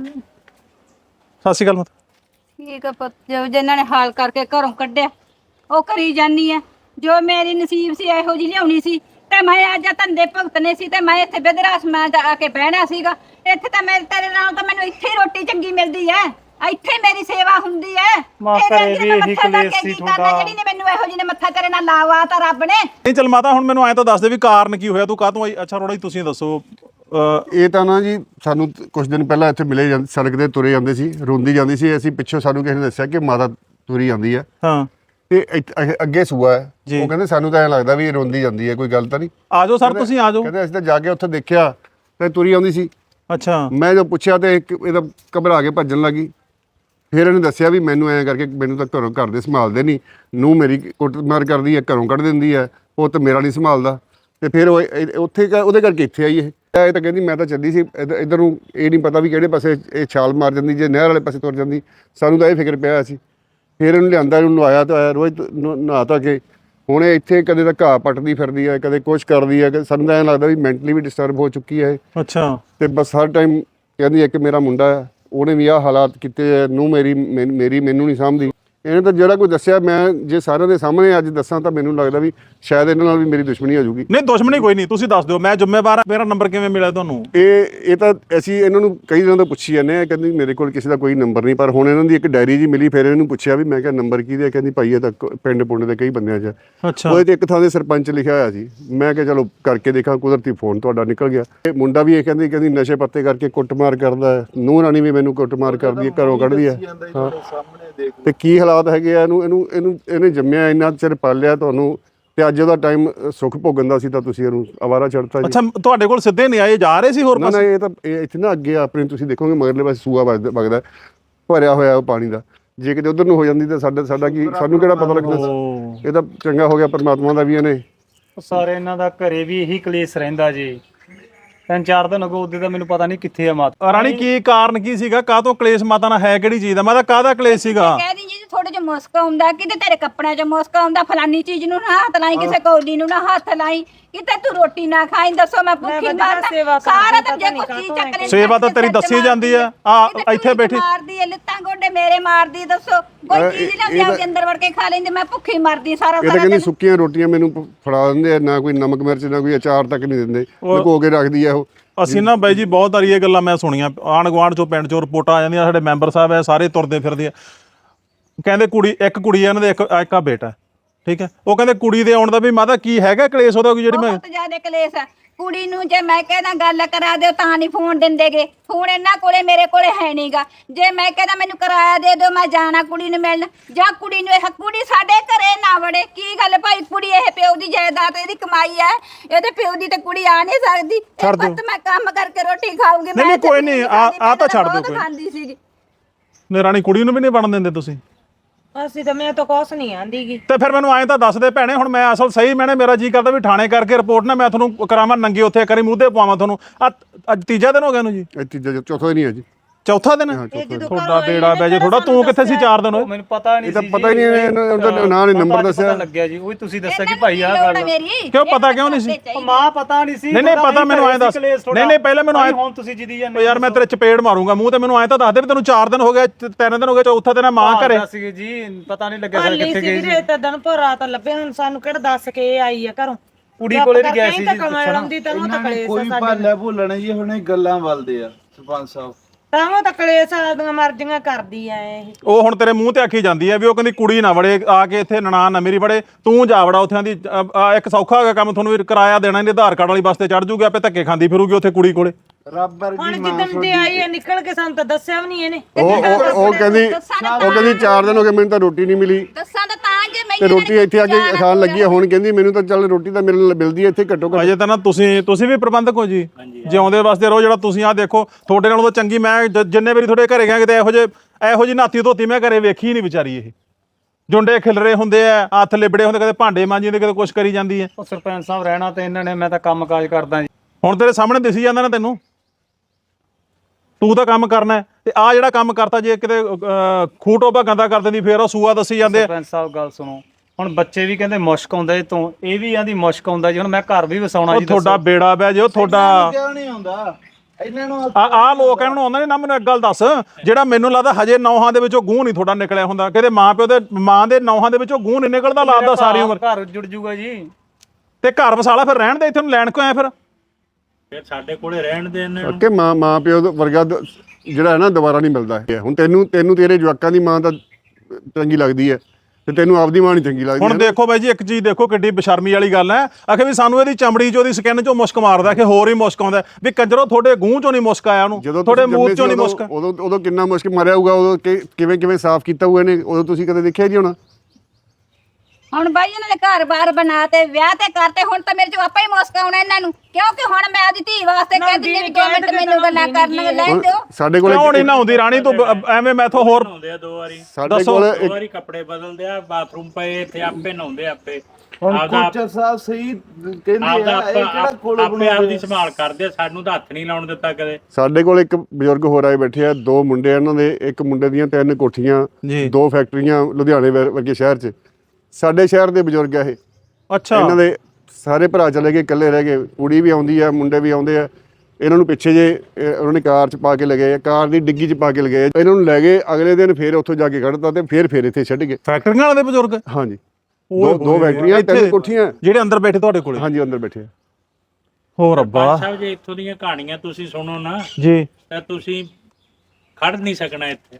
Speaker 3: ਸ਼੍ਰੀ ਅਕਾਲ ਮਾਤਾ।
Speaker 8: ਠੀਕ ਆ ਪੁੱਤ, ਜੋ ਜਿਨ੍ਹਾਂ ਨੇ ਹਾਲ ਕਰਕੇ ਘਰੋਂ ਕੱਢਿਆ ਉਹ ਕਰੀ ਜਾਨੀ ਆ। ਜੋ ਮੇਰੀ ਨਸੀਬ ਸੀ ਇਹੋ ਜਿਹੀ ਲਿਆਉਣੀ ਸੀ, ਤੇ ਮੈਂ ਅੱਜ ਆ ਧੰਦੇ ਭੁਗਤਨੇ ਸੀ, ਤੇ ਮੈਂ ਇੱਥੇ ਬਿਦਰਾਸ ਮੈਂ ਆ ਕੇ ਬਹਿਣਾ ਸੀਗਾ। ਇੱਥੇ ਤਾਂ ਮੇਰੇ ਤੇਰੇ ਨਾਲ ਤਾਂ ਮੈਨੂੰ ਇੱਥੇ ਹੀ ਰੋਟੀ ਚੰਗੀ ਮਿਲਦੀ ਐ, ਇੱਥੇ ਮੇਰੀ ਸੇਵਾ ਹੁੰਦੀ ਐ।
Speaker 7: ਮਾਂ
Speaker 8: ਤੇਰੇ
Speaker 7: ਘਰੇ
Speaker 8: ਅੱਗੇ
Speaker 7: ਵੀ
Speaker 8: ਮੈਂ
Speaker 7: ਇਹੀ
Speaker 8: ਮੱਥਾ ਲਾ ਕੇ
Speaker 7: ਕਲੇਸ਼ ਸੀ
Speaker 8: ਕੀ ਕਰਨਾ,
Speaker 7: ਤੁਹਾਡਾ।
Speaker 8: ਜਿਹੜੀ ਨੇ ਮੈਨੂੰ ਇਹੋ ਜਿਹੀ ਨੇ ਮੱਥਾ ਤੇਰੇ ਨਾਲ ਲਾਵਾ ਤਾਂ ਰੱਬ ਨੇ।
Speaker 3: ਨਹੀਂ ਚੱਲ ਮਾਤਾ, ਹੁਣ ਮੈਨੂੰ ਐਂ ਤਾਂ ਦੱਸ ਦੇ ਵੀ ਕਾਰਨ ਕੀ ਹੋਇਆ, ਤੂੰ ਕਾਹਤੋਂ ਆਈ? ਅੱਛਾ ਰੋੜਾ ਜੀ ਤੁਸੀਂ ਦੱਸੋ। ਅਹ
Speaker 2: ਇਹ ਤਾਂ ਨਾ ਜੀ, ਸਾਨੂੰ ਕੁਝ ਦਿਨ ਪਹਿਲਾਂ ਇੱਥੇ ਮਿਲੇ ਜਾਂਦੇ, ਸੜਕ ਤੇ ਤੁਰੇ ਜਾਂਦੇ ਸੀ, ਰੋਂਦੀ ਜਾਂਦੀ ਸੀ। ਅਸੀਂ ਪਿੱਛੋਂ ਸਾਨੂੰ ਕਿਸੇ ਨੇ ਦੱਸਿਆ ਕਿ ਮਾਤਾ ਤੁਰੀ ਜਾਂਦੀ ਹੈ,
Speaker 3: ਹਾਂ
Speaker 2: ਤੇ ਇੱਥੇ- ਅਹ ਅੱਗੇ ਸੂਆ ਹੈ।
Speaker 3: ਜੀ।
Speaker 2: ਉਹ ਕਹਿੰਦੇ ਸਾਨੂੰ ਤਾਂ ਐਂ ਲੱਗਦਾ ਵੀ ਇਹ ਰੋਂਦੀ ਜਾਂਦੀ ਹੈ, ਕੋਈ ਗੱਲ ਤਾਂ ਨਹੀਂ।
Speaker 3: ਆ ਜਾਓ ਸਰ, ਤੁਸੀਂ ਆ ਜਾਓ।
Speaker 2: ਕਹਿੰਦੇ ਅਸੀਂ ਤਾਂ ਜਾ ਕੇ ਉੱਥੇ ਦੇਖਿਆ ਤੇ ਤੁਰੀ ਆਉਂਦੀ ਸੀ।
Speaker 3: ਅੱਛਾ
Speaker 2: ਮੈਂ ਜਦੋਂ ਪੁੱਛਿਆ ਤੇ ਇੱਕ ਇਹਦਾ ਘਬਰਾ ਕੇ ਭੱਜਣ ਲੱਗੀ। ਫਿਰ ਇਹਨੇ ਦੱਸਿਆ ਵੀ ਮੈਨੂੰ ਐਂ ਕਰਕੇ, ਮੈਨੂੰ ਤਾਂ ਘਰੋਂ ਘਰ ਦੇ ਸੰਭਾਲਦੇ ਨਹੀਂ, ਨੂੰਹ ਮੇਰੀ ਕੁੱਟਮਾਰ ਕਰਦੀ ਹੈ, ਘਰੋਂ ਕੱਢ ਦਿੰਦੀ ਹੈ, ਉਹ ਤਾਂ ਮੇਰਾ ਨਹੀਂ ਸੰਭਾਲਦਾ। ਤੇ ਫਿਰ ਉਹ ਇਹ- ਉੱਥੇ ਕ- ਉਹਦੇ ਕਰਕੇ ਇੱਥੇ ਆਈ ਇਹ। ਇਹ ਤਾਂ ਕਹਿੰਦੀ ਮੈਂ ਤਾਂ ਚੱਲੀ ਸੀ ਇੱਧਰ ਇੱਧਰ ਨੂੰ, ਇਹ ਨਹੀਂ ਪਤਾ ਵੀ ਕਿਹੜੇ ਪਾਸੇ ਇਹ ਛਾਲ ਮਾਰ ਜਾਂਦੀ, ਜੇ ਨਹਿਰ ਵਾਲੇ ਪਾਸੇ ਤੁਰ ਜਾਂਦੀ। ਸਾਨੂੰ ਤਾਂ ਇਹ ਫਿਕਰ ਪਿਆ ਸੀ। ਫਿਰ ਇਹਨੂੰ ਲਿਆਂਦਾ, ਇਹਨੂੰ ਨਵਾਇਆ ਤਾਂ ਰੋਜ਼ ਨਹਾ ਧਾ ਕੇ। ਹੁਣ ਇਹ ਇੱਥੇ ਕਦੇ ਤਾਂ ਘਾਹ ਪੱਟਦੀ ਫਿਰਦੀ ਹੈ, ਕਦੇ ਕੁਛ ਕਰਦੀ ਹੈ। ਕਦੇ ਸਾਨੂੰ ਤਾਂ ਐਂ ਲੱਗਦਾ ਵੀ ਮੈਂਟਲੀ ਵੀ ਡਿਸਟਰਬ ਹੋ ਚੁੱਕੀ ਹੈ ਇਹ।
Speaker 3: ਅੱਛਾ
Speaker 2: ਤੇ ਬਸ ਹਰ ਟਾਈਮ ਕਹਿੰਦੀ ਹੈ ਕਿ ਮੇਰਾ ਮੁੰਡਾ ਹੈ, ਉਹਨੇ ਵੀ ਆਹ ਹਾਲਾਤ ਕੀਤੇ ਹੈ, ਨੂੰ ਮੇਰੀ ਮੈਨ- ਮੇਰੀ ਮੈਨੂੰ ਨਹੀਂ ਸਮਝਦੀ। ਇਹਨੇ ਤਾਂ ਜਿਹੜਾ ਕੋਈ ਦੱਸਿਆ, ਮੈਂ ਜੇ ਸਾਰਿਆਂ ਦੇ ਸਾਹਮਣੇ ਅੱਜ ਦੱਸਾਂ ਤਾਂ ਮੈਨੂੰ ਲੱਗਦਾ ਵੀ ਸ਼ਾਇਦ ਇਹਨਾਂ ਨਾਲ ਵੀ ਮੇਰੀ ਦੁਸ਼ਮਣੀ ਹੋ ਜਾਊਗੀ।
Speaker 3: ਨਹੀਂ ਦੁਸ਼ਮਣੀ ਕੋਈ ਨਹੀਂ, ਤੁਸੀਂ ਦੱਸ ਦਿਓ, ਮੈਂ ਜ਼ਿੰਮੇਵਾਰ ਹਾਂ। ਮੇਰਾ ਨੰਬਰ ਕਿਵੇਂ ਮਿਲਿਆ ਤੁਹਾਨੂੰ?
Speaker 2: ਇਹ ਇਹ ਤਾਂ ਅਸੀਂ ਇਹਨਾਂ ਨੂੰ ਕਈ ਦਿਨਾਂ ਤੋਂ ਪੁੱਛੀ ਜਾਂਦੇ ਆ, ਕਹਿੰਦੀ ਮੇਰੇ ਕੋਲ ਕਿਸੇ ਦਾ ਕੋਈ ਨੰਬਰ ਨਹੀਂ। ਪਰ ਹੁਣ ਇਹਨਾਂ ਦੀ ਇੱਕ ਡਾਇਰੀ ਜੀ ਮਿਲੀ, ਫਿਰ ਇਹਨੂੰ ਪੁੱਛਿਆ ਵੀ ਮੈਂ ਕਿਹਾ ਨੰਬਰ ਕਿਹਦਾ? ਕਹਿੰਦੀ ਭਾਈ ਇਹ ਤਾਂ ਕ- ਪਿੰਡ ਪੁੰਡ ਦੇ ਕਈ ਬੰਦਿਆਂ 'ਚ।
Speaker 3: ਅੱਛਾ
Speaker 2: ਉਹਦੇ ਤੇ ਇੱਕ ਥਾਂ ਦੇ ਸਰਪੰਚ ਲਿਖਿਆ ਹੋਇਆ ਸੀ। ਮੈਂ ਕਿਹਾ ਚਲੋ ਕਰਕੇ ਦੇਖਾਂ, ਕੁਦਰਤੀ ਫੋਨ ਤੁਹਾਡਾ ਨਿਕਲ ਗਿਆ। ਇਹ ਮੁੰਡਾ ਵੀ ਇਹ ਕਹਿੰਦੀ ਕਹਿੰਦੀ ਨਸ਼ੇ ਪੱਤੇ ਕਰਕੇ ਕੁੱਟਮਾਰ ਕਰਦਾ ਹੈ, ਨੂੰਹ ਰਾਣੀ ਵੀ ਮੈਨੂੰ ਕੁੱਟਮਾਰ ਕਰਦੀ ਹੈ, ਘਰੋਂ ਕੱਢਦੀ ਹੈ। ਹਾਂ ਤੇ ਕੀ ਹਾਲਾਤ ਹੈਗੇ ਆ ਇਹਨੂੰ ਇਹਨੂੰ ਇਹਨੂੰ ਇਹਨੇ ਜੰਮਿਆ, ਇੰਨਾ ਚਿਰ ਪਾਲਿਆ ਤੁਹਾਨੂੰ, ਤੇ ਅੱਜ ਉਹਦਾ ਟਾਈਮ ਸੁੱਖ ਭੋਗਣ ਦਾ ਸੀ ਤਾਂ ਤੁਸੀਂ ਇਹਨੂੰ ਅਵਾਰਾ ਛੱਡਤਾ ਜੀ।
Speaker 3: ਅੱਛਾ ਤੁਹਾਡੇ ਕੋਲ ਸਿੱਧੇ ਨਹੀਂ ਆਏ, ਜਾ ਰਹੇ ਸੀ ਹੋਰ
Speaker 2: ਨਾ ਨਾ,
Speaker 3: ਪਾਸੇ?
Speaker 2: ਇਹ ਤਾਂ ਇਹ ਇੱਥੇ ਨਾ ਅੱਗੇ ਆਪਣੇ ਤੁਸੀਂ ਦੇਖੋਗੇ ਮਗਰਲੇ ਪਾਸੇ ਸੂਆ ਵਗਦਾ ਵਗਦਾ ਭਰਿਆ ਹੋਇਆ ਉਹ ਪਾਣੀ ਦਾ। ਜੇ ਕਿਤੇ ਉਧਰ ਨੂੰ ਹੋ ਜਾਂਦੀ ਤਾਂ ਸਾਡਾ ਸਾਡਾ ਕੀ, ਸਾਨੂੰ ਕਿਹੜਾ ਪਤਾ ਲੱਗਦਾ ਸੀ। ਇਹ ਤਾਂ ਚੰਗਾ ਹੋ ਗਿਆ ਪਰਮਾਤਮਾ ਦਾ ਵੀ ਇਹਨੇ।
Speaker 7: ਉਹ ਸਾਰੇ ਇਹਨਾਂ ਦਾ ਘਰੇ ਵੀ ਇਹੀ ਕਲੇਸ਼ ਰਹਿੰਦਾ ਜੀ। ਤਿੰਨ ਚਾਰ ਦਿਨ ਅਗੋ ਉਹਦੇ ਤਾਂ ਮੈਨੂੰ ਪਤਾ ਨਹੀਂ ਕਿੱਥੇ ਆ ਮਾਤਾ।
Speaker 3: ਰਾਣੀ ਕੀ ਕਾਰਨ ਕੀ ਸੀਗਾ, ਕਾਹਤੋਂ ਕਲੇਸ਼ ਮਾਤਾ ਨਾਲ ਹੈ ਕਿਹੜੀ ਚੀਜ਼ ਦਾ? ਮੈਂ ਤਾਂ ਕਾਹਦਾ ਕਲੇਸ਼ ਸੀਗਾ?
Speaker 8: ਕਹਿ ਦੀ ਜੀ ਥੋੜਾ ਜਿਹਾ ਮੁਸਕ ਆਉਂਦਾ, ਕਿਤੇ ਤੇਰੇ ਕੱਪੜਿਆਂ 'ਚ ਮੁਸਕ ਆਉਂਦਾ, ਫਲਾਨੀ ਚੀਜ਼ ਨੂੰ ਨਾ ਹੱਥ ਲਾਈ, ਕਿਸੇ ਕੌਲੀ ਨੂੰ ਨਾ ਹੱਥ ਲਾਈ, ਕਿਤੇ ਤੂੰ ਰੋਟੀ ਨਾ ਖਾਈ। ਦੱਸੋ ਮੈਂ ਭੁੱਖੀ ਮਾਰਦਾ ਸਾਰਾ ਤਾਂ ਜੇ ਕੋਈ ਚੀਜ਼ ਚੱਕ ਲੈ।
Speaker 3: ਸੇਵਾ ਤਾਂ ਤੇਰੀ ਦੱਸੀ ਜਾਂਦੀ ਆ। ਆ ਇੱਥੇ ਬੈਠੀ
Speaker 8: ਮਾਰਦੀ ਐ, ਲੱਤਾਂ ਗੋਡੇ ਮੇਰੇ ਮਾਰਦੀ। ਦੱਸੋ ਕੋਈ ਚੀਜ਼ ਨਾ ਲਿਆ ਅੰਦਰ ਵੜ ਕੇ ਖਾ ਲੈਂਦੇ, ਮੈਂ ਭੁੱਖੀ ਮਰਦੀ ਸਾਰਾ
Speaker 2: ਇਹ ਤਾਂ
Speaker 8: ਸਾਰਾ
Speaker 2: ਕਹਿੰਦੀ
Speaker 8: ਦਿਨ।
Speaker 2: ਸੁੱਕੀਆਂ ਰੋਟੀਆਂ ਮੈਨੂੰ ਪ- ਫੜਾ ਦਿੰਦੇ ਆ, ਨਾ ਕੋਈ ਨਮਕ ਮਿਰਚ ਨਾ ਕੋਈ ਅਚਾਰ ਤੱਕ ਨਹੀਂ ਦਿੰਦੇ, ਲੁਕੋ ਕੇ ਰੱਖਦੀ ਆ ਉਹ।
Speaker 3: ਅਸੀਂ ਨਾ ਬਾਈ ਜੀ ਬਹੁਤ ਵਾਰੀ ਇਹ ਗੱਲਾਂ ਮੈਂ ਸੁਣੀਆਂ, ਆਂਢ ਗੁਆਂਢ ਚੋਂ ਪਿੰਡ ਚੋਂ ਰਿਪੋਰਟਾਂ ਆ ਜਾਂਦੀਆਂ, ਸਾਡੇ ਮੈਂਬਰ ਸਾਹਿਬ ਐ ਸਾਰੇ ਤੁਰਦੇ ਫਿਰਦੇ ਆ, ਕਹਿੰਦੇ ਕੁੜੀ ਇੱਕ ਕੁੜੀ ਆ ਇਹਨਾਂ ਦੇ, ਇੱਕ ਇੱਕ ਆ ਬੇਟਾ, ਠੀਕ ਹੈ। ਉਹ ਕਹਿੰਦੇ ਕੁੜੀ ਦੇ ਆਉਣ ਦਾ ਵੀ ਮਾਤਾ ਕੀ ਹੈਗਾ ਕਲੇਸ਼ ਉਹਦਾ ਕੋਈ ਜਿਹੜੀ ਮੈਂ
Speaker 8: ਬਹੁਤ ਜ਼ਿਆਦਾ ਕਲੇਸ਼ ਆ। ਕੁੜੀ ਨੂੰ ਜੇ ਮੈਂ ਕਹਿੰਦਾ ਗੱਲ ਕਰਾ ਦਿਓ ਤਾਂ ਨਹੀਂ ਫੋਨ ਦਿੰਦੇਗੇ। ਫੋਨ ਇਹਨਾਂ ਕੋਲੇ ਮੇਰੇ ਕੋਲੇ ਹੈ ਨਹੀਂਗਾ। ਜੇ ਮੈਂ ਕਹਿੰਦਾ ਮੈਨੂੰ ਕਿਰਾਇਆ ਦੇ ਦਿਓ, ਮੈਂ ਜਾਣਾ ਕੁੜੀ ਨੂੰ ਮਿਲਣ, ਜਾਂ ਕੁੜੀ ਨੂੰ ਇਹ ਕੁੜੀ ਸਾਡੇ ਘਰੇ ਨਾ ਵੜੇ। ਕੀ ਗੱਲ ਭਾਈ, ਕੁੜੀ ਇਹ ਪਿਓ ਦੀ ਜਾਇਦਾਦ, ਇਹਦੀ ਕਮਾਈ ਹੈ, ਇਹਦੇ ਪਿਓ ਦੀ ਤੇ ਕੁੜੀ ਆ ਨਹੀਂ ਸਕਦੀ।
Speaker 3: ਛੱਡ ਦਿਓ।
Speaker 8: ਪੁੱਤ ਮੈਂ ਕੰਮ ਕਰਕੇ ਰੋਟੀ ਖਾਊਂਗੀ।
Speaker 3: ਨਹੀਂ,
Speaker 8: ਮੈਂ
Speaker 3: ਕੋਈ ਨਹੀਂ, ਆ- ਆ ਤਾਂ ਛੱਡ ਦਿਓ
Speaker 8: ਬਹੁਤ
Speaker 3: ਕੋਈ।
Speaker 8: ਖਾਂਦੀ ਸੀਗੀ।
Speaker 3: ਨੇ ਰਾਣੀ ਕੁੜੀ ਨੂੰ ਵੀ ਨਹੀਂ ਬਣਨ ਦਿੰਦੇ ਤੁਸੀਂ?
Speaker 4: ਅਸੀਂ ਤਾਂ ਮੈਂ ਤਾਂ ਕੁਛ ਨਹੀਂ ਆਂਦੀਗੀ।
Speaker 3: ਤੇ ਫਿਰ ਮੈਨੂੰ ਐਂ ਤਾਂ ਦੱਸ ਦੇ ਭੈਣੇ, ਹੁਣ ਮੈਂ ਅਸਲ ਸਹੀ ਮੈਨੇ ਮੇਰਾ ਜੀ ਕਰਦਾ ਵੀ ਥਾਣੇ ਕਰਕੇ ਰਿਪੋਰਟ ਨਾ ਮੈਂ ਤੁਹਾਨੂੰ ਕਰਾਵਾਂ ਨੰਗੇ, ਉੱਥੇ ਕਰੀ ਮੂੰਹ ਤੇ ਪਵਾਵਾਂ ਤੁਹਾਨੂੰ। ਆ ਅੱਜ ਤੀਜਾ ਦਿਨ ਹੋ ਗਿਆ ਨੂੰ ਜੀ,
Speaker 2: ਇਹ ਤੀਜਾ ਚੌਥਾ ਹੀ ਨਹੀਂ ਹੈ ਜੀ।
Speaker 3: ਚੌਥਾ ਦਿਨ?
Speaker 2: ਹਾਂ ਚੌਥਾ ਦਿਨ।
Speaker 3: ਤੁਹਾਡਾ ਬੇੜਾ ਬੈ ਜੇ ਥੋੜਾ, ਤੂੰ ਕਿੱਥੇ ਸੀ ਚਾਰ ਦਿਨ ਹੋਏ?
Speaker 7: ਮੈਨੂੰ ਪਤਾ ਨਹੀਂ
Speaker 2: ਇਹ ਤਾਂ
Speaker 7: ਸੀ
Speaker 2: ਪਤਾ ਹੀ ਨਹੀਂ, ਇਹਨਾਂ ਉਹਦਾ ਨਾਂ ਨੇ ਨੰਬਰ ਦੱਸਿਆ।
Speaker 7: ਪਤਾ ਲੱਗਿਆ ਜੀ, ਉਹ ਵੀ ਤੁਸੀਂ ਦੱਸਿਆ ਕਿ
Speaker 8: ਇਹਨਾਂ
Speaker 7: ਭਾਈ
Speaker 8: ਨੂੰ
Speaker 7: ਆ
Speaker 8: ਕੀ ਲੋੜ
Speaker 7: ਗੱਲ।
Speaker 8: ਆ ਮੇਰੀ?
Speaker 3: ਕਿਉਂ ਪਤਾ ਕਿਉਂ ਨਹੀਂ ਸੀ?
Speaker 7: ਉਹ ਮਾਂ ਪਤਾ ਨਹੀਂ ਸੀ।
Speaker 3: ਨਹੀਂ ਨਹੀਂ ਪਤਾ ਮੈਨੂੰ ਐਂ ਦੱਸ। ਨਹੀਂ ਨਹੀਂ ਪਹਿਲਾਂ ਮੈਨੂੰ ਐਂ,
Speaker 7: ਹੁਣ ਤੁਸੀਂ ਜਿੱਦੀ ਜਾਂਦੇ
Speaker 3: ਓ ਯਾਰ ਮੈਂ ਤੇਰੇ ਚਪੇੜ ਮਾਰੂੰਗਾ ਮੂੰਹ ਤੇ। ਮੈਨੂੰ ਐਂ ਤਾਂ ਦੱਸ ਦੇ ਵੀ ਤੈਨੂੰ ਚਾਰ ਦਿਨ ਹੋ ਗਏ, ਤ- ਤਿੰਨ ਦਿਨ ਹੋ ਗਏ, ਚੌਥਾ ਦਿਨ ਆ ਮਾਂ ਘਰੇ।
Speaker 7: ਸੀਗੇ ਜੀ, ਪਤਾ ਨਹੀਂ ਲੱਗਿਆ ਸਰ ਕਿੱਥੇ ਗਏ ਜੀ।
Speaker 4: ਤੇ ਦਿਨ ਭਰ ਰਾਤ ਲੱਭੇ, ਹੁਣ ਸਾਨੂੰ ਕਿਹੜਾ ਦੱਸ ਕੇ ਇਹ ਆਈ ਆ ਘਰੋਂ।
Speaker 7: ਕੁੜੀ ਕੋਲੇ ਵੀ ਗਿਆ ਸੀ ਜੀ
Speaker 4: ਕਮਲਮ ਦੀ ਤੈਨੂੰ ਤਾਂ ਕਲੇਸ਼
Speaker 9: ਕੋਈ ਭਾਲਿਆ ਭੁੱਲਣਾ ਜੀ, ਹੁਣ ਇਹ ਗੱਲਾਂ ਵੱਲਦੇ ਆ ਸਰਪੰਚ ਸਾਹਿਬ।
Speaker 4: ਤਾਂ ਉਹ ਤਾਂ ਕਲੇਸ਼ ਦੀਆਂ ਮਰਜ਼ੀਆਂ ਕਰਦੀ ਐ ਇਹ।
Speaker 3: ਉਹ ਹੁਣ ਤੇਰੇ ਮੂੰਹ ਤੇ ਆਖੀ ਜਾਂਦੀ ਹੈ ਵੀ ਉਹ ਕਹਿੰਦੀ ਕੁੜੀ ਨਾ ਵੜੇ ਆ ਕੇ ਇੱਥੇ ਨਨਾਣ ਨਾ ਮੇਰੀ ਵੜੇ, ਤੂੰ ਜਾ ਵੜਾ ਉੱਥੇ ਦੀ। ਇੱਕ ਸੌਖਾ ਹੈਗਾ ਕੰਮ, ਤੁਹਾਨੂੰ ਵੀ ਕਿਰਾਇਆ ਦੇਣਾ, ਇਹਦੇ ਆਧਾਰ ਕਾਰਡ ਵਾਲੀ ਬੱਸ ਤੇ ਚੜ ਜੂਗੀ, ਆਪੇ ਧੱਕੇ ਖਾਂਦੀ ਫਿਰੂਗੀ ਉੱਥੇ ਕੁੜੀ ਕੋਲੇ।
Speaker 4: ਹੁਣ ਜਿੱਦਣ ਦੀ ਆਈ ਐ ਨਿਕਲ ਕੇ ਸਾਨੂੰ ਤਾਂ ਦੱਸਿਆ ਵੀ ਨਹੀਂ ਇਹਨੇ।
Speaker 2: ਉਹ ਉਹ ਉਹ ਕਹਿੰਦੀ ਉਹ ਕਹਿੰਦੀ ਚਾਰ ਦਿਨ ਹੋ ਗਏ ਮੈਨੂੰ ਤਾਂ ਰੋਟੀ ਨਹੀਂ ਮਿਲੀ
Speaker 8: ਦੱਸਾਂ ਤਾਂ ਤਾਂ ਜੇ
Speaker 2: ਤੇ
Speaker 8: ਮੈਨੂੰ
Speaker 2: ਰੋਟੀ ਇੱਥੇ ਆ ਕੇ ਖਾਣ ਲੱਗੀ ਆ। ਹੁਣ ਕਹਿੰਦੀ ਮੈਨੂੰ ਤਾਂ ਚੱਲ ਰੋਟੀ ਤਾਂ ਮੇਰੇ ਨਾਲ ਮਿਲਦੀ ਹੈ ਇੱਥੇ ਘੱਟੋ ਘੱਟ।
Speaker 3: ਅਜੇ ਤਾਂ ਨਾ ਤੁਸੀਂ ਤੁਸੀਂ ਵੀ ਪ੍ਰਬੰਧਕ ਹੋ ਜੀ, ਜਿਉਂਦੇ ਵਾਸਤੇ ਰਹੋ। ਜਿਹੜਾ ਤੁਸੀਂ ਆ ਦੇਖੋ, ਤੁਹਾਡੇ ਨਾਲੋਂ ਤਾਂ ਚੰਗੀ ਮੈਂ ਜ- ਜਿੰਨੇ ਵਾਰੀ ਤੁਹਾਡੇ ਘਰੇ ਗਿਆ ਕਿਤੇ ਇਹੋ ਜਿਹੇ ਇਹੋ ਜਿਹੀ ਨਾਤੀ ਧੋਤੀ ਮੈਂ ਘਰੇ ਵੇਖੀ ਨਹੀਂ ਵਿਚਾਰੀ। ਇਹ ਜੁੰਡੇ ਖਿਲਰੇ ਹੁੰਦੇ ਆ, ਹੱਥ ਲਿਬੜੇ ਹੁੰਦੇ, ਕਦੇ ਭਾਂਡੇ ਮਾਂਜੀ ਜਾਂਦੇ, ਕਦੇ ਕੁਛ ਕਰੀ ਜਾਂਦੀ ਹੈ।
Speaker 7: ਉਹ ਸਰਪੰਚ ਸਾਹਿਬ ਰਹਿਣਾ ਤੇ ਇਹਨਾਂ ਨੇ, ਮੈਂ ਤਾਂ ਕੰਮ ਕਾਜ ਕਰਦਾ ਜੀ।
Speaker 3: ਹੁਣ ਤੇਰੇ ਸਾਹਮਣੇ ਦਿਸੀ ਜਾਂਦਾ ਨਾ ਤੈਨੂੰ, ਤੂੰ ਤਾਂ ਕੰਮ ਕਰਨਾ ਹੈ। ਤੇ ਆ ਜਿਹੜਾ ਕੰਮ ਕਰਤਾ, ਜੇ ਕਿਤੇ ਅਹ, ਖੂਹ ਟੋਬਾ ਗੰਦਾ ਕਰ ਦਿੰਦੀ ਫੇਰ ਉਹ ਸੂਆ ਦੱਸੀ ਜਾਂਦੇ ਆ।
Speaker 7: ਸਰਪੰਚ ਸਾਹਿਬ ਗੱਲ ਸੁਣੋ, ਹੁਣ ਬੱਚੇ ਵੀ ਕਹਿੰਦੇ ਮੁਸ਼ਕ ਆਉਂਦਾ ਇਹ ਤੋਂ, ਇਹ ਵੀ ਆਂਦੀ ਮੁਸ਼ਕ ਆਉਂਦਾ ਜੀ। ਹੁਣ ਮੈਂ ਘਰ ਵੀ ਵਸਾਉਣਾ
Speaker 3: ਉਹ
Speaker 7: ਜੀ।
Speaker 3: ਤੁਹਾਡਾ ਬੇੜਾ ਬੈ ਜੇ, ਉਹ ਤੁਹਾਡਾ
Speaker 9: ਕਿਉਂ ਨਹੀਂ ਆਉਂਦਾ ਇਹਨਾਂ ਨੂੰ?
Speaker 3: ਆ ਆ ਲੋਕ ਇਹਨਾਂ ਨੂੰ ਆਉਂਦਾ ਨਹੀਂ ਨਾ। ਮੈਨੂੰ ਇੱਕ ਗੱਲ ਦੱਸ, ਜਿਹੜਾ ਮੈਨੂੰ ਲੱਗਦਾ ਹਜੇ ਨੌਹਾਂ ਦੇ ਵਿੱਚੋਂ ਗੂੰ ਨਹੀਂ ਤੁਹਾਡਾ ਨਿਕਲਿਆ ਹੁੰਦਾ, ਕਿਤੇ ਮਾਂ ਪਿਓ ਦੇ ਮਾਂ ਦੇ ਨੌਹਾਂ ਦੇ ਵਿੱਚੋਂ ਗੂੰ ਨਹੀਂ ਨਿਕਲਦਾ ਲੱਗਦਾ ਸਾਰੀ ਉਮਰ।
Speaker 7: ਘਰ ਜੁੜ ਜੂਗਾ ਜੀ।
Speaker 3: ਤੇ ਘਰ ਵਸਾਲਾ ਫਿਰ ਰਹਿਣ ਦੇ, ਇੱਥੇ ਨੂੰ ਲੈਣ ਕਿਉਂ ਆਇਆ ਫਿਰ?
Speaker 1: ਫਿਰ ਸਾਡੇ ਕੋਲੇ ਰਹਿਣ ਦੇ ਇਹਨਾਂ ਨੂੰ।
Speaker 2: ਕਿ ਮਾਂ ਮਾਂ ਪਿਓ ਦਾ ਵਰਗਾ ਦ- ਜਿਹੜਾ ਹੈ ਨਾ ਦੁਬਾਰਾ ਨਹੀਂ ਮਿਲਦਾ ਹੈ। ਹੁਣ ਤੈਨੂੰ ਤੈਨੂੰ ਤੇਰੇ ਜਵਾਕਾਂ ਦੀ ਮਾਂ ਤਾਂ ਚੰਗੀ ਲੱਗਦੀ ਹੈ ਤੇ ਤੈਨੂੰ ਆਪਦੀ ਮਾਂ ਨਹੀਂ ਚੰਗੀ ਲੱਗਦੀ।
Speaker 3: ਹੁਣ ਦੇਖੋ ਬਾਈ ਜੀ, ਇੱਕ ਚੀਜ਼ ਦੇਖੋ ਕਿੱਡੀ ਬੇਸ਼ਰਮੀ ਵਾਲੀ ਗੱਲ ਹੈ। ਆਖੇ ਵੀ ਸਾਨੂੰ ਇਹਦੀ ਚਮੜੀ ਚੋਂ, ਉਹਦੀ ਸਕਿਨ ਚੋਂ ਮੁਸ਼ਕ ਮਾਰਦਾ, ਕਿ ਹੋਰ ਹੀ ਮੁਸ਼ਕ ਆਉਂਦਾ। ਵੀ ਕੰਜਰੋ ਤੁਹਾਡੇ ਗੂੰ ਚੋਂ ਨਹੀਂ ਮੁਸ਼ਕ ਆਇਆ ਉਹਨੂੰ,
Speaker 2: ਜਦੋਂ
Speaker 3: ਤੁਹਾਡੇ
Speaker 2: ਤੁਸੀਂ
Speaker 3: ਮੂੰਹ
Speaker 2: ਜੰਮੇ
Speaker 3: ਚੋਂ
Speaker 2: ਸੀ
Speaker 3: ਨਹੀਂ
Speaker 2: ਉਦੋਂ-
Speaker 3: ਮੁਸ਼ਕ।
Speaker 2: ਉਦੋਂ ਉਦੋਂ ਕਿੰਨਾ ਮੁਸ਼ਕ ਮਾਰਿਆ ਹੋਊਗਾ, ਉਦੋਂ ਕਿ- ਕਿਵੇਂ ਕਿਵੇਂ ਸਾਫ਼ ਕੀਤਾ ਹੋਊਗਾ ਇਹਨੇ, ਉਦੋਂ ਤੁਸੀਂ ਕਦੇ ਦੇਖਿਆ ਜੀ ਹੋਣਾ।
Speaker 8: ਹੁਣ ਬਾਈ ਇਹਨਾਂ ਨੇ ਘਰ-ਬਾਰ ਬਣਾ ਤੇ ਵਿਆਹ ਤੇ ਕਰਤੇ, ਹੁਣ ਤਾਂ ਮੇਰੇ ਚ ਆਪੇ ਹੀ ਮੁਸਕ ਆਉਣਾ ਇਹਨਾਂ ਨੂੰ, ਕਿਉਂਕਿ ਹੁਣ ਮੈਂ ਆਪਦੀ ਧੀ ਵਾਸਤੇ ਕਹਿੰਦੀ ਕਿ ਦੋ ਮਿੰਟ ਮੈਨੂੰ ਗੱਲਾਂ ਕਰਨ ਲੈ
Speaker 2: ਹੁਣ
Speaker 8: ਦਿਓ।
Speaker 2: ਸਾਡੇ ਕੋਲ
Speaker 3: ਕਿਉਂ ਨਹੀਂ ਨਹਾਉਂਦੀ ਰਾਣੀ ਤੂੰ? ਬ- ਐਵੇਂ ਮੈਥੋਂ ਹੋਰ
Speaker 1: ਨਹਾਉਂਦੇ ਆ ਦੋ ਵਾਰੀ,
Speaker 2: ਸਾਡੇ
Speaker 3: ਦੱਸੋ।
Speaker 2: ਕੋਲ
Speaker 1: ਦੋ
Speaker 2: ਇੱਕ
Speaker 1: ਵਾਰੀ ਕੱਪੜੇ ਬਦਲਦੇ ਆ, ਬਾਥਰੂਮ ਪਏ ਇੱਥੇ, ਆਪੇ ਨਹਾਉਂਦੇ ਆਪੇ।
Speaker 9: ਹੁਣ
Speaker 1: ਆਪਦਾ
Speaker 9: ਕੋਚਰ ਸਾਹਿਬ ਸਹੀ ਕਹਿੰਦੇ
Speaker 1: ਆਪਦਾ
Speaker 9: ਆ, ਇਹ ਕਿਹੜਾ ਕੋਲੋਂ
Speaker 1: ਆਪੇ ਆਪਦੀ ਸੰਭਾਲ ਕਰਦੇ ਆ, ਸਾਨੂੰ ਤਾਂ ਹੱਥ ਨਹੀਂ ਲਾਉਣ ਦਿੱਤਾ ਕਦੇ।
Speaker 2: ਸਾਡੇ ਕੋਲ ਇੱਕ ਬਜ਼ੁਰਗ ਹੋਰ ਆਏ ਬੈਠੇ ਆ, ਦੋ ਮੁੰਡੇ ਆ ਇਹਨਾਂ ਦੇ। ਇੱਕ ਮੁੰਡੇ ਦੀਆਂ ਤਿੰਨ ਕੋਠੀਆਂ,
Speaker 3: ਜੀ।
Speaker 2: ਦੋ ਫੈਕਟਰੀਆਂ ਲੁਧਿਆਣੇ ਵਰ- ਵਰਗੇ ਸ਼ਹਿਰ 'ਚ। ਸਾਡੇ ਸ਼ਹਿਰ ਦੇ ਬਜ਼ੁਰਗ ਆ ਇਹ।
Speaker 3: ਅੱਛਾ
Speaker 2: ਇਹਨਾਂ ਦੇ ਸਾਰੇ ਭਰਾ ਚਲੇ ਗਏ, ਇਕੱਲੇ ਰਹਿ ਗਏ। ਕੁੜੀ ਵੀ ਆਉਂਦੀ ਆ, ਮੁੰਡੇ ਵੀ ਆਉਂਦੇ ਆ। ਇਹਨਾਂ ਨੂੰ ਪਿੱਛੇ ਜੇ ਇਹ ਉਹਨਾਂ ਨੇ ਕਾਰ 'ਚ ਪਾ ਕੇ ਲਗਾਏ, ਕਾਰ ਦੀ ਡਿੱਗੀ 'ਚ ਪਾ ਕੇ ਲਗਾਏ। ਇਹਨਾਂ ਨੂੰ ਲੈ ਗਏ, ਅਗਲੇ ਦਿਨ ਫੇਰ ਉੱਥੋਂ ਜਾ ਕੇ ਕੱਢਤਾ ਤੇ ਫੇਰ ਫੇਰ ਇੱਥੇ ਛੱਡ ਗਏ।
Speaker 3: ਫੈਕਟਰੀਆਂ ਵਾਲੇ ਦੇ ਬਜ਼ੁਰਗ?
Speaker 2: ਹਾਂਜੀ, ਦੋ ਦੋ ਫੈਕਟਰੀਆਂ, ਤਿੰਨ ਕੋਠੀਆਂ।
Speaker 3: ਜਿਹੜੇ ਅੰਦਰ ਬੈਠੇ ਤੁਹਾਡੇ ਕੋਲੇ?
Speaker 2: ਹਾਂਜੀ, ਅੰਦਰ ਬੈਠੇ ਆ।
Speaker 3: ਹੋ ਰੱਬਾ
Speaker 1: ਬਾਦ ਸਾਹਿਬ, ਜੇ ਇੱਥੋਂ ਦੀਆਂ ਕਹਾਣੀਆਂ ਤੁਸੀਂ ਸੁਣੋ ਨਾ
Speaker 3: ਜੀ।
Speaker 1: ਤਾਂ ਤੁਸੀਂ ਖੜ ਨਹੀਂ ਸਕਣਾ ਇੱਥੇ।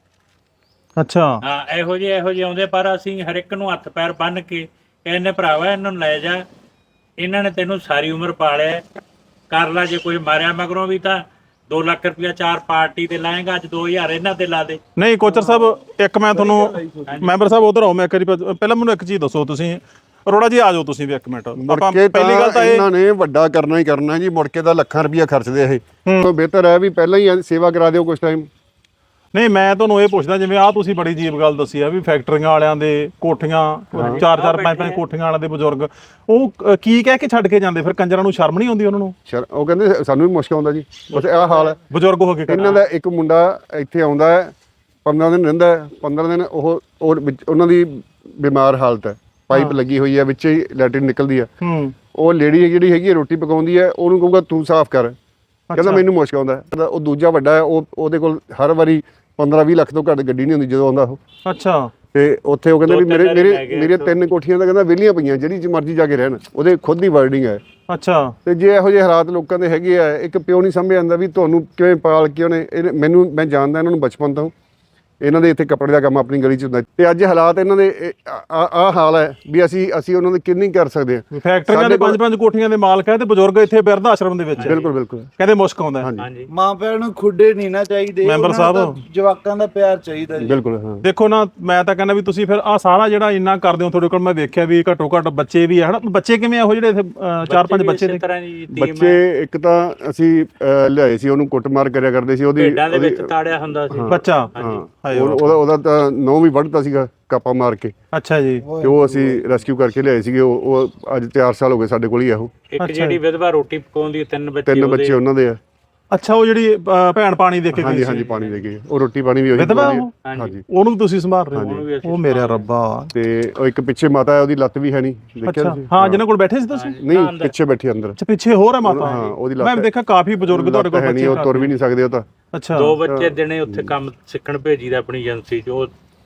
Speaker 3: ਅੱਛਾ,
Speaker 1: ਹਾਂ, ਇਹੋ ਜਿਹੇ ਇਹੋ ਜਿਹੇ ਆਉਂਦੇ, ਪਰ ਅਸੀਂ ਹਰ ਇੱਕ ਨੂੰ ਹੱਥ ਪੈਰ ਬੰਨ ਕੇ ਕਹਿੰਦੇ ਭਰਾਵਾ ਇਹਨਾਂ ਨੂੰ ਲੈ ਜਾ, ਇਹਨਾਂ ਨੇ ਤੈਨੂੰ ਸਾਰੀ ਉਮਰ ਪਾਲਿਆ, ਕਰ ਲਾ। ਜੇ ਕੋਈ ਮਾਰਿਆ ਮਗਰੋਂ ਵੀ ਤਾਂ ਦੋ ਲੱਖ ਰੁਪਇਆ ਚਾਰ ਪਾਰਟੀ ਤੇ ਲਾਏਗਾ, ਅੱਜ ਦੋ ਹਜ਼ਾਰ ਇਹਨਾਂ ਤੇ ਲਾ ਦੇ।
Speaker 3: ਨਹੀਂ ਕੋਚਰ ਸਾਹਿਬ, ਇੱਕ ਮੈਂ ਤੁਹਾਨੂੰ ਮੈਂਬਰ ਸਾਹਿਬ ਉਧਰ ਆਓ, ਮੈਂ ਇੱਕ ਵਾਰੀ ਪ- ਪਹਿਲਾਂ ਮੈਨੂੰ ਇੱਕ ਚੀਜ਼ ਦੱਸੋ। ਤੁਸੀਂ ਅਰੋੜਾ ਜੀ ਆ ਜਾਓ ਤੁਸੀਂ ਵੀ ਇੱਕ ਮਿੰਟ।
Speaker 2: ਮੁੜ
Speaker 3: ਆਪਾਂ
Speaker 2: ਕੇ
Speaker 3: ਪਹਿਲੀ ਗੱਲ ਤਾਂ ਇਹ,
Speaker 2: ਇਹਨਾਂ ਨੇ ਵੱਡਾ ਕਰਨਾ ਹੀ ਕਰਨਾ ਜੀ। ਮੁੜ ਕੇ ਤਾਂ ਲੱਖਾਂ ਰੁਪਇਆ ਖਰਚਦੇ ਇਹ। ਤੋਂ ਬਿਹਤਰ ਹੈ ਵੀ ਪਹਿਲਾਂ ਹੀ ਸੇਵਾ ਕਰਾ ਦਿਓ ਕੁਝ ਟਾਈਮ।
Speaker 3: ਨਹੀਂ ਮੈਂ ਤੁਹਾਨੂੰ ਇਹ ਪੁੱਛਦਾ, ਜਿਵੇਂ ਆ ਤੁਸੀਂ ਬੜੀ ਅਜੀਬ ਗੱਲ ਦੱਸੀ ਆ ਵੀ ਫੈਕਟਰੀਆਂ ਵਾਲਿਆਂ ਦੇ ਕੋਠੀਆਂ, ਚਾਰ ਚਾਰ ਪੰਜ ਪੰਜ ਕੋਠੀਆਂ ਵਾਲਿਆਂ ਦੇ ਬਜ਼ੁਰਗ, ਉਹ ਅ, ਕੀ ਕਹਿ ਕੇ ਛੱਡ ਕੇ ਜਾਂਦੇ ਫਿਰ? ਕੰਜਰਾਂ ਨੂੰ ਸ਼ਰਮ ਨਹੀਂ ਆਉਂਦੀ ਉਹਨਾਂ ਨੂੰ?
Speaker 2: ਸ਼ਰ ਉਹ ਕਹਿੰਦੇ ਸਾਨੂੰ ਵੀ ਮੁਸ਼ਕ ਆਉਂਦਾ ਜੀ, ਬਸ ਆਹ ਹਾਲ ਹੈ।
Speaker 3: ਬਜ਼ੁਰਗ ਹੋ ਕੇ
Speaker 2: ਇਹਨਾਂ ਦਾ ਇੱਕ ਮੁੰਡਾ ਇੱਥੇ ਆਉਂਦਾ ਹੈ, ਪੰਦਰਾਂ ਦਿਨ ਰਹਿੰਦਾ ਹੈ। ਪੰਦਰਾਂ ਦਿਨ ਉਹ ਉਹ ਵਿੱਚ ਉਹਨਾਂ ਦੀ ਬਿਮਾਰ ਹਾਲਤ ਹੈ, ਪਾਈਪ ਲੱਗੀ ਹੋਈ ਹੈ, ਵਿੱਚ ਹੀ ਲੈਟਰਿਨ ਨਿਕਲਦੀ ਹੈ।
Speaker 3: ਹੂੰ,
Speaker 2: ਉਹ ਲੇਡੀ ਜਿਹੜੀ ਹੈਗੀ ਹੈ ਰੋਟੀ ਪਕਾਉਂਦੀ ਹੈ, ਉਹਨੂੰ ਕਹੂਗਾ ਤੂੰ ਸਾਫ਼ ਕਰ, ਕਹਿੰਦਾ ਮੈਨੂੰ ਮੁਸ਼ਕ ਆਉਂਦਾ ਹੈ। ਉਹ ਦੂਜਾ ਵੱਡਾ ਹੈ, ਉਹ ਉਹਦੇ ਕੋਲ ਹਰ ਵਾਰੀ ਪੰਦਰਾਂ ਵੀਹ ਲੱਖ ਤੋਂ ਘੱਟ ਗੱਡੀ ਨਹੀਂ ਹੁੰਦੀ ਜਦੋਂ ਆਉਂਦਾ ਉਹ।
Speaker 3: ਅੱਛਾ।
Speaker 2: ਤੇ ਉੱਥੇ ਉਹ ਕਹਿੰਦੇ ਵੀ
Speaker 1: ਦੋ
Speaker 2: ਮੇਰੇ
Speaker 1: ਤਿੰਨ ਲੈ
Speaker 2: ਮੇਰੇ
Speaker 1: ਗਏ
Speaker 2: ਮੇਰੀਆਂ ਤਿੰਨ ਕੋਠੀਆਂ ਤਾਂ ਕਹਿੰਦਾ ਵਿਹਲੀਆਂ ਪਈਆਂ, ਜਿਹੜੀ ਚ ਮਰਜ਼ੀ ਜਾ ਕੇ ਰਹਿਣ। ਉਹਦੇ ਖੁਦ ਦੀ ਵਰਡਿੰਗ ਹੈ।
Speaker 3: ਅੱਛਾ।
Speaker 2: ਤੇ ਜੇ ਇਹੋ ਜਿਹੇ ਹਾਲਾਤ ਲੋਕਾਂ ਦੇ ਹੈਗੇ ਆ, ਇੱਕ ਪਿਓ ਨਹੀਂ ਸਮਝ ਆਉਂਦਾ ਵੀ ਤੁਹਾਨੂੰ ਕਿਵੇਂ ਪਾਲ ਕੇ ਉਹਨੇ ਇਹਨੇ- ਮੈਨੂੰ ਮੈਂ ਜਾਣਦਾ ਇਹਨਾਂ ਨੂੰ ਬਚਪਨ ਤੋਂ। ਇਹਨਾਂ ਦੇ ਇੱਥੇ ਕੱਪੜੇ ਦਾ ਕੰਮ ਆਪਣੀ ਗਲੀ 'ਚ ਹੁੰਦਾ, ਤੇ ਅੱਜ ਹਾਲਾਤ ਇਹਨਾਂ ਦੇ ਆ ਹਾਲ ਹੈ ਵੀ ਅਸੀਂ ਅਸੀਂ ਉਹਨਾਂ ਦੀ ਕਿੰਨੀ ਕਰ ਸਕਦੇ ਹਾਂ।
Speaker 3: ਫੈਕਟਰੀਆਂ ਦੇ ਪੰਜ ਪੰਜ ਕੋਠੀਆਂ ਦੇ ਮਾਲਕ ਹੈ ਤੇ ਬਜ਼ੁਰਗ ਇੱਥੇ ਬਿਰਧ ਆਸ਼ਰਮ ਦੇ ਵਿੱਚ ਹੈ।
Speaker 2: ਬਿਲਕੁਲ ਬਿਲਕੁਲ
Speaker 3: ਕਹਿੰਦੇ ਮੁਸ਼ਕ ਆਉਂਦਾ ਹੈ।
Speaker 1: ਹਾਂਜੀ,
Speaker 9: ਮਾਂ ਪਿਓ ਨੂੰ ਖੁੱਡੇ ਨਹੀਂ ਨਾ ਚਾਹੀਦੇ,
Speaker 3: ਮੈਂਬਰ
Speaker 9: ਉਹਨਾਂ ਨੂੰ
Speaker 3: ਸਾਹਿਬ।
Speaker 9: ਤਾਂ ਜਵਾਕਾਂ ਦਾ ਪਿਆਰ ਚਾਹੀਦਾ ਜੀ।
Speaker 2: ਬਿਲਕੁਲ ਹਾਂ।
Speaker 3: ਦੇਖੋ ਨਾ, ਮੈਂ ਤਾਂ ਕਹਿੰਦਾ ਵੀ ਤੁਸੀਂ ਫਿਰ ਆ ਸਾਰਾ ਜਿਹੜਾ ਇੰਨਾ ਕਰਦੇ ਹੋ, ਤੁਹਾਡੇ ਕੋਲ ਮੈਂ ਵੇਖਿਆ ਵੀ ਘੱਟੋ ਘੱਟ ਬੱਚੇ ਵੀ ਹੈ ਹਨਾ। ਬੱਚੇ ਕਿਵੇਂ ਇਹੋ ਜਿਹੜੇ ਇੱਥੇ ਅ, ਚਾਰ ਪੰਜ ਬੱਚੇ
Speaker 1: ਇਸੇ
Speaker 3: ਦੇ?
Speaker 1: ਤਰ੍ਹਾਂ ਦੀ ਟੀਮ
Speaker 2: ਬੱਚੇ ਇੱਕ ਤਾਂ ਅਸੀਂ ਅਹ, ਲਿਆਏ ਸੀ, ਉਹਨੂੰ ਕੁੱਟਮਾਰ ਕਰਿਆ ਕਰਦੇ ਸੀ। ਉਹਦੀ
Speaker 1: ਭੇਡਾਂ ਦੇ ਵਿੱਚ ਤਾੜਿਆ ਹੁੰਦਾ ਸੀ।
Speaker 3: ਬੱਚਾ?
Speaker 2: ਹਾਂ,
Speaker 3: ਹਾਏ
Speaker 2: ਉਹ- ਉਹਦਾ ਉਹਦਾ ਤਾਂ ਨੌਂ ਵੀ ਵੱਢਤਾ ਸੀਗਾ ਕਾਪਾ ਮਾਰ ਕੇ,
Speaker 3: ਅੱਛਾ ਜੀ।
Speaker 2: ਤੇ ਉਹ ਅਸੀਂ ਰੈਸਕਿਊ ਕਰਕੇ ਲਿਆਏ ਸੀਗੇ। ਉਹ ਉਹ ਅੱਜ ਚਾਰ ਸਾਲ ਹੋ ਗਏ ਸਾਡੇ ਕੋਲ ਹੀ ਆ। ਉਹ
Speaker 1: ਇੱਕ ਜਿਹੜੀ ਵਿਧਵਾ ਰੋਟੀ ਪਕਾਉਂਦੀ, ਤਿੰਨ ਬੱਚੇ
Speaker 2: ਤਿੰਨ
Speaker 1: ਉਹਦੇ।
Speaker 2: ਬੱਚੇ ਉਹਨਾਂ ਦੇ ਆ।
Speaker 3: ਅੱਛਾ, ਉਹ ਜਿਹੜੀ ਅ, ਭੈਣ ਪਾਣੀ ਦੇ ਕੇ ਗਈ
Speaker 2: ਹਾਂਜੀ
Speaker 3: ਸੀ।
Speaker 2: ਹਾਂਜੀ, ਪਾਣੀ ਦੇ ਗਏ। ਉਹ ਰੋਟੀ ਪਾਣੀ ਵੀ ਉਹੀ
Speaker 3: ਵਿਧਵਾ
Speaker 2: ਬਣਾਉਂਦੀ
Speaker 3: ਉਹ?
Speaker 2: ਹੈ। ਹਾਂਜੀ,
Speaker 3: ਉਹਨੂੰ ਵੀ ਤੁਸੀਂ ਸੰਭਾਲ ਰਹੇ
Speaker 1: ਉਹਨੂੰ
Speaker 3: ਹੋ?
Speaker 1: ਵੀ ਅਸੀਂ
Speaker 3: ਉਹ ਮੇਰਾ ਰੱਬਾ।
Speaker 2: ਤੇ ਉਹ ਇੱਕ ਪਿੱਛੇ ਮਾਤਾ ਹੈ, ਉਹਦੀ ਲੱਤ ਵੀ ਹੈ ਨਹੀਂ, ਦੇਖਿਆ
Speaker 3: ਅੱਛਾ,
Speaker 2: ਤੁਸੀਂ?
Speaker 3: ਹਾਂ, ਜਿਹਨਾਂ ਕੋਲ ਬੈਠੇ ਸੀ ਤੁਸੀਂ?
Speaker 2: ਨਹੀਂ, ਪਿੱਛੇ ਬੈਠੀ ਅੰਦਰ।
Speaker 3: ਅੱਛਾ, ਪਿੱਛੇ ਹੋਰ ਹੈ ਮਾਤਾ?
Speaker 2: ਹਾਂ, ਉਹਦੀ ਲੱਤ
Speaker 3: ਮੈਂ ਦੇਖਿਆ ਕਾਫੀ ਬਜ਼ੁਰਗ ਤੁਹਾਡੇ ਕੋਲ
Speaker 2: ਹੈ ਨਹੀਂ,
Speaker 3: ਬੱਚੇ।
Speaker 2: ਉਹ ਤੁਰ ਵੀ ਨਹੀਂ ਸਕਦੇ ਉਹ ਤਾਂ।
Speaker 3: ਅੱਛਾ।
Speaker 1: ਦੋ ਬੱਚੇ ਦਿਨੇ ਉੱਥੇ ਕੰਮ ਸਿੱਖਣ ਭੇਜੀਦਾ ਆਪਣੀ ਏਜੰਸੀ 'ਚ। ਉਹ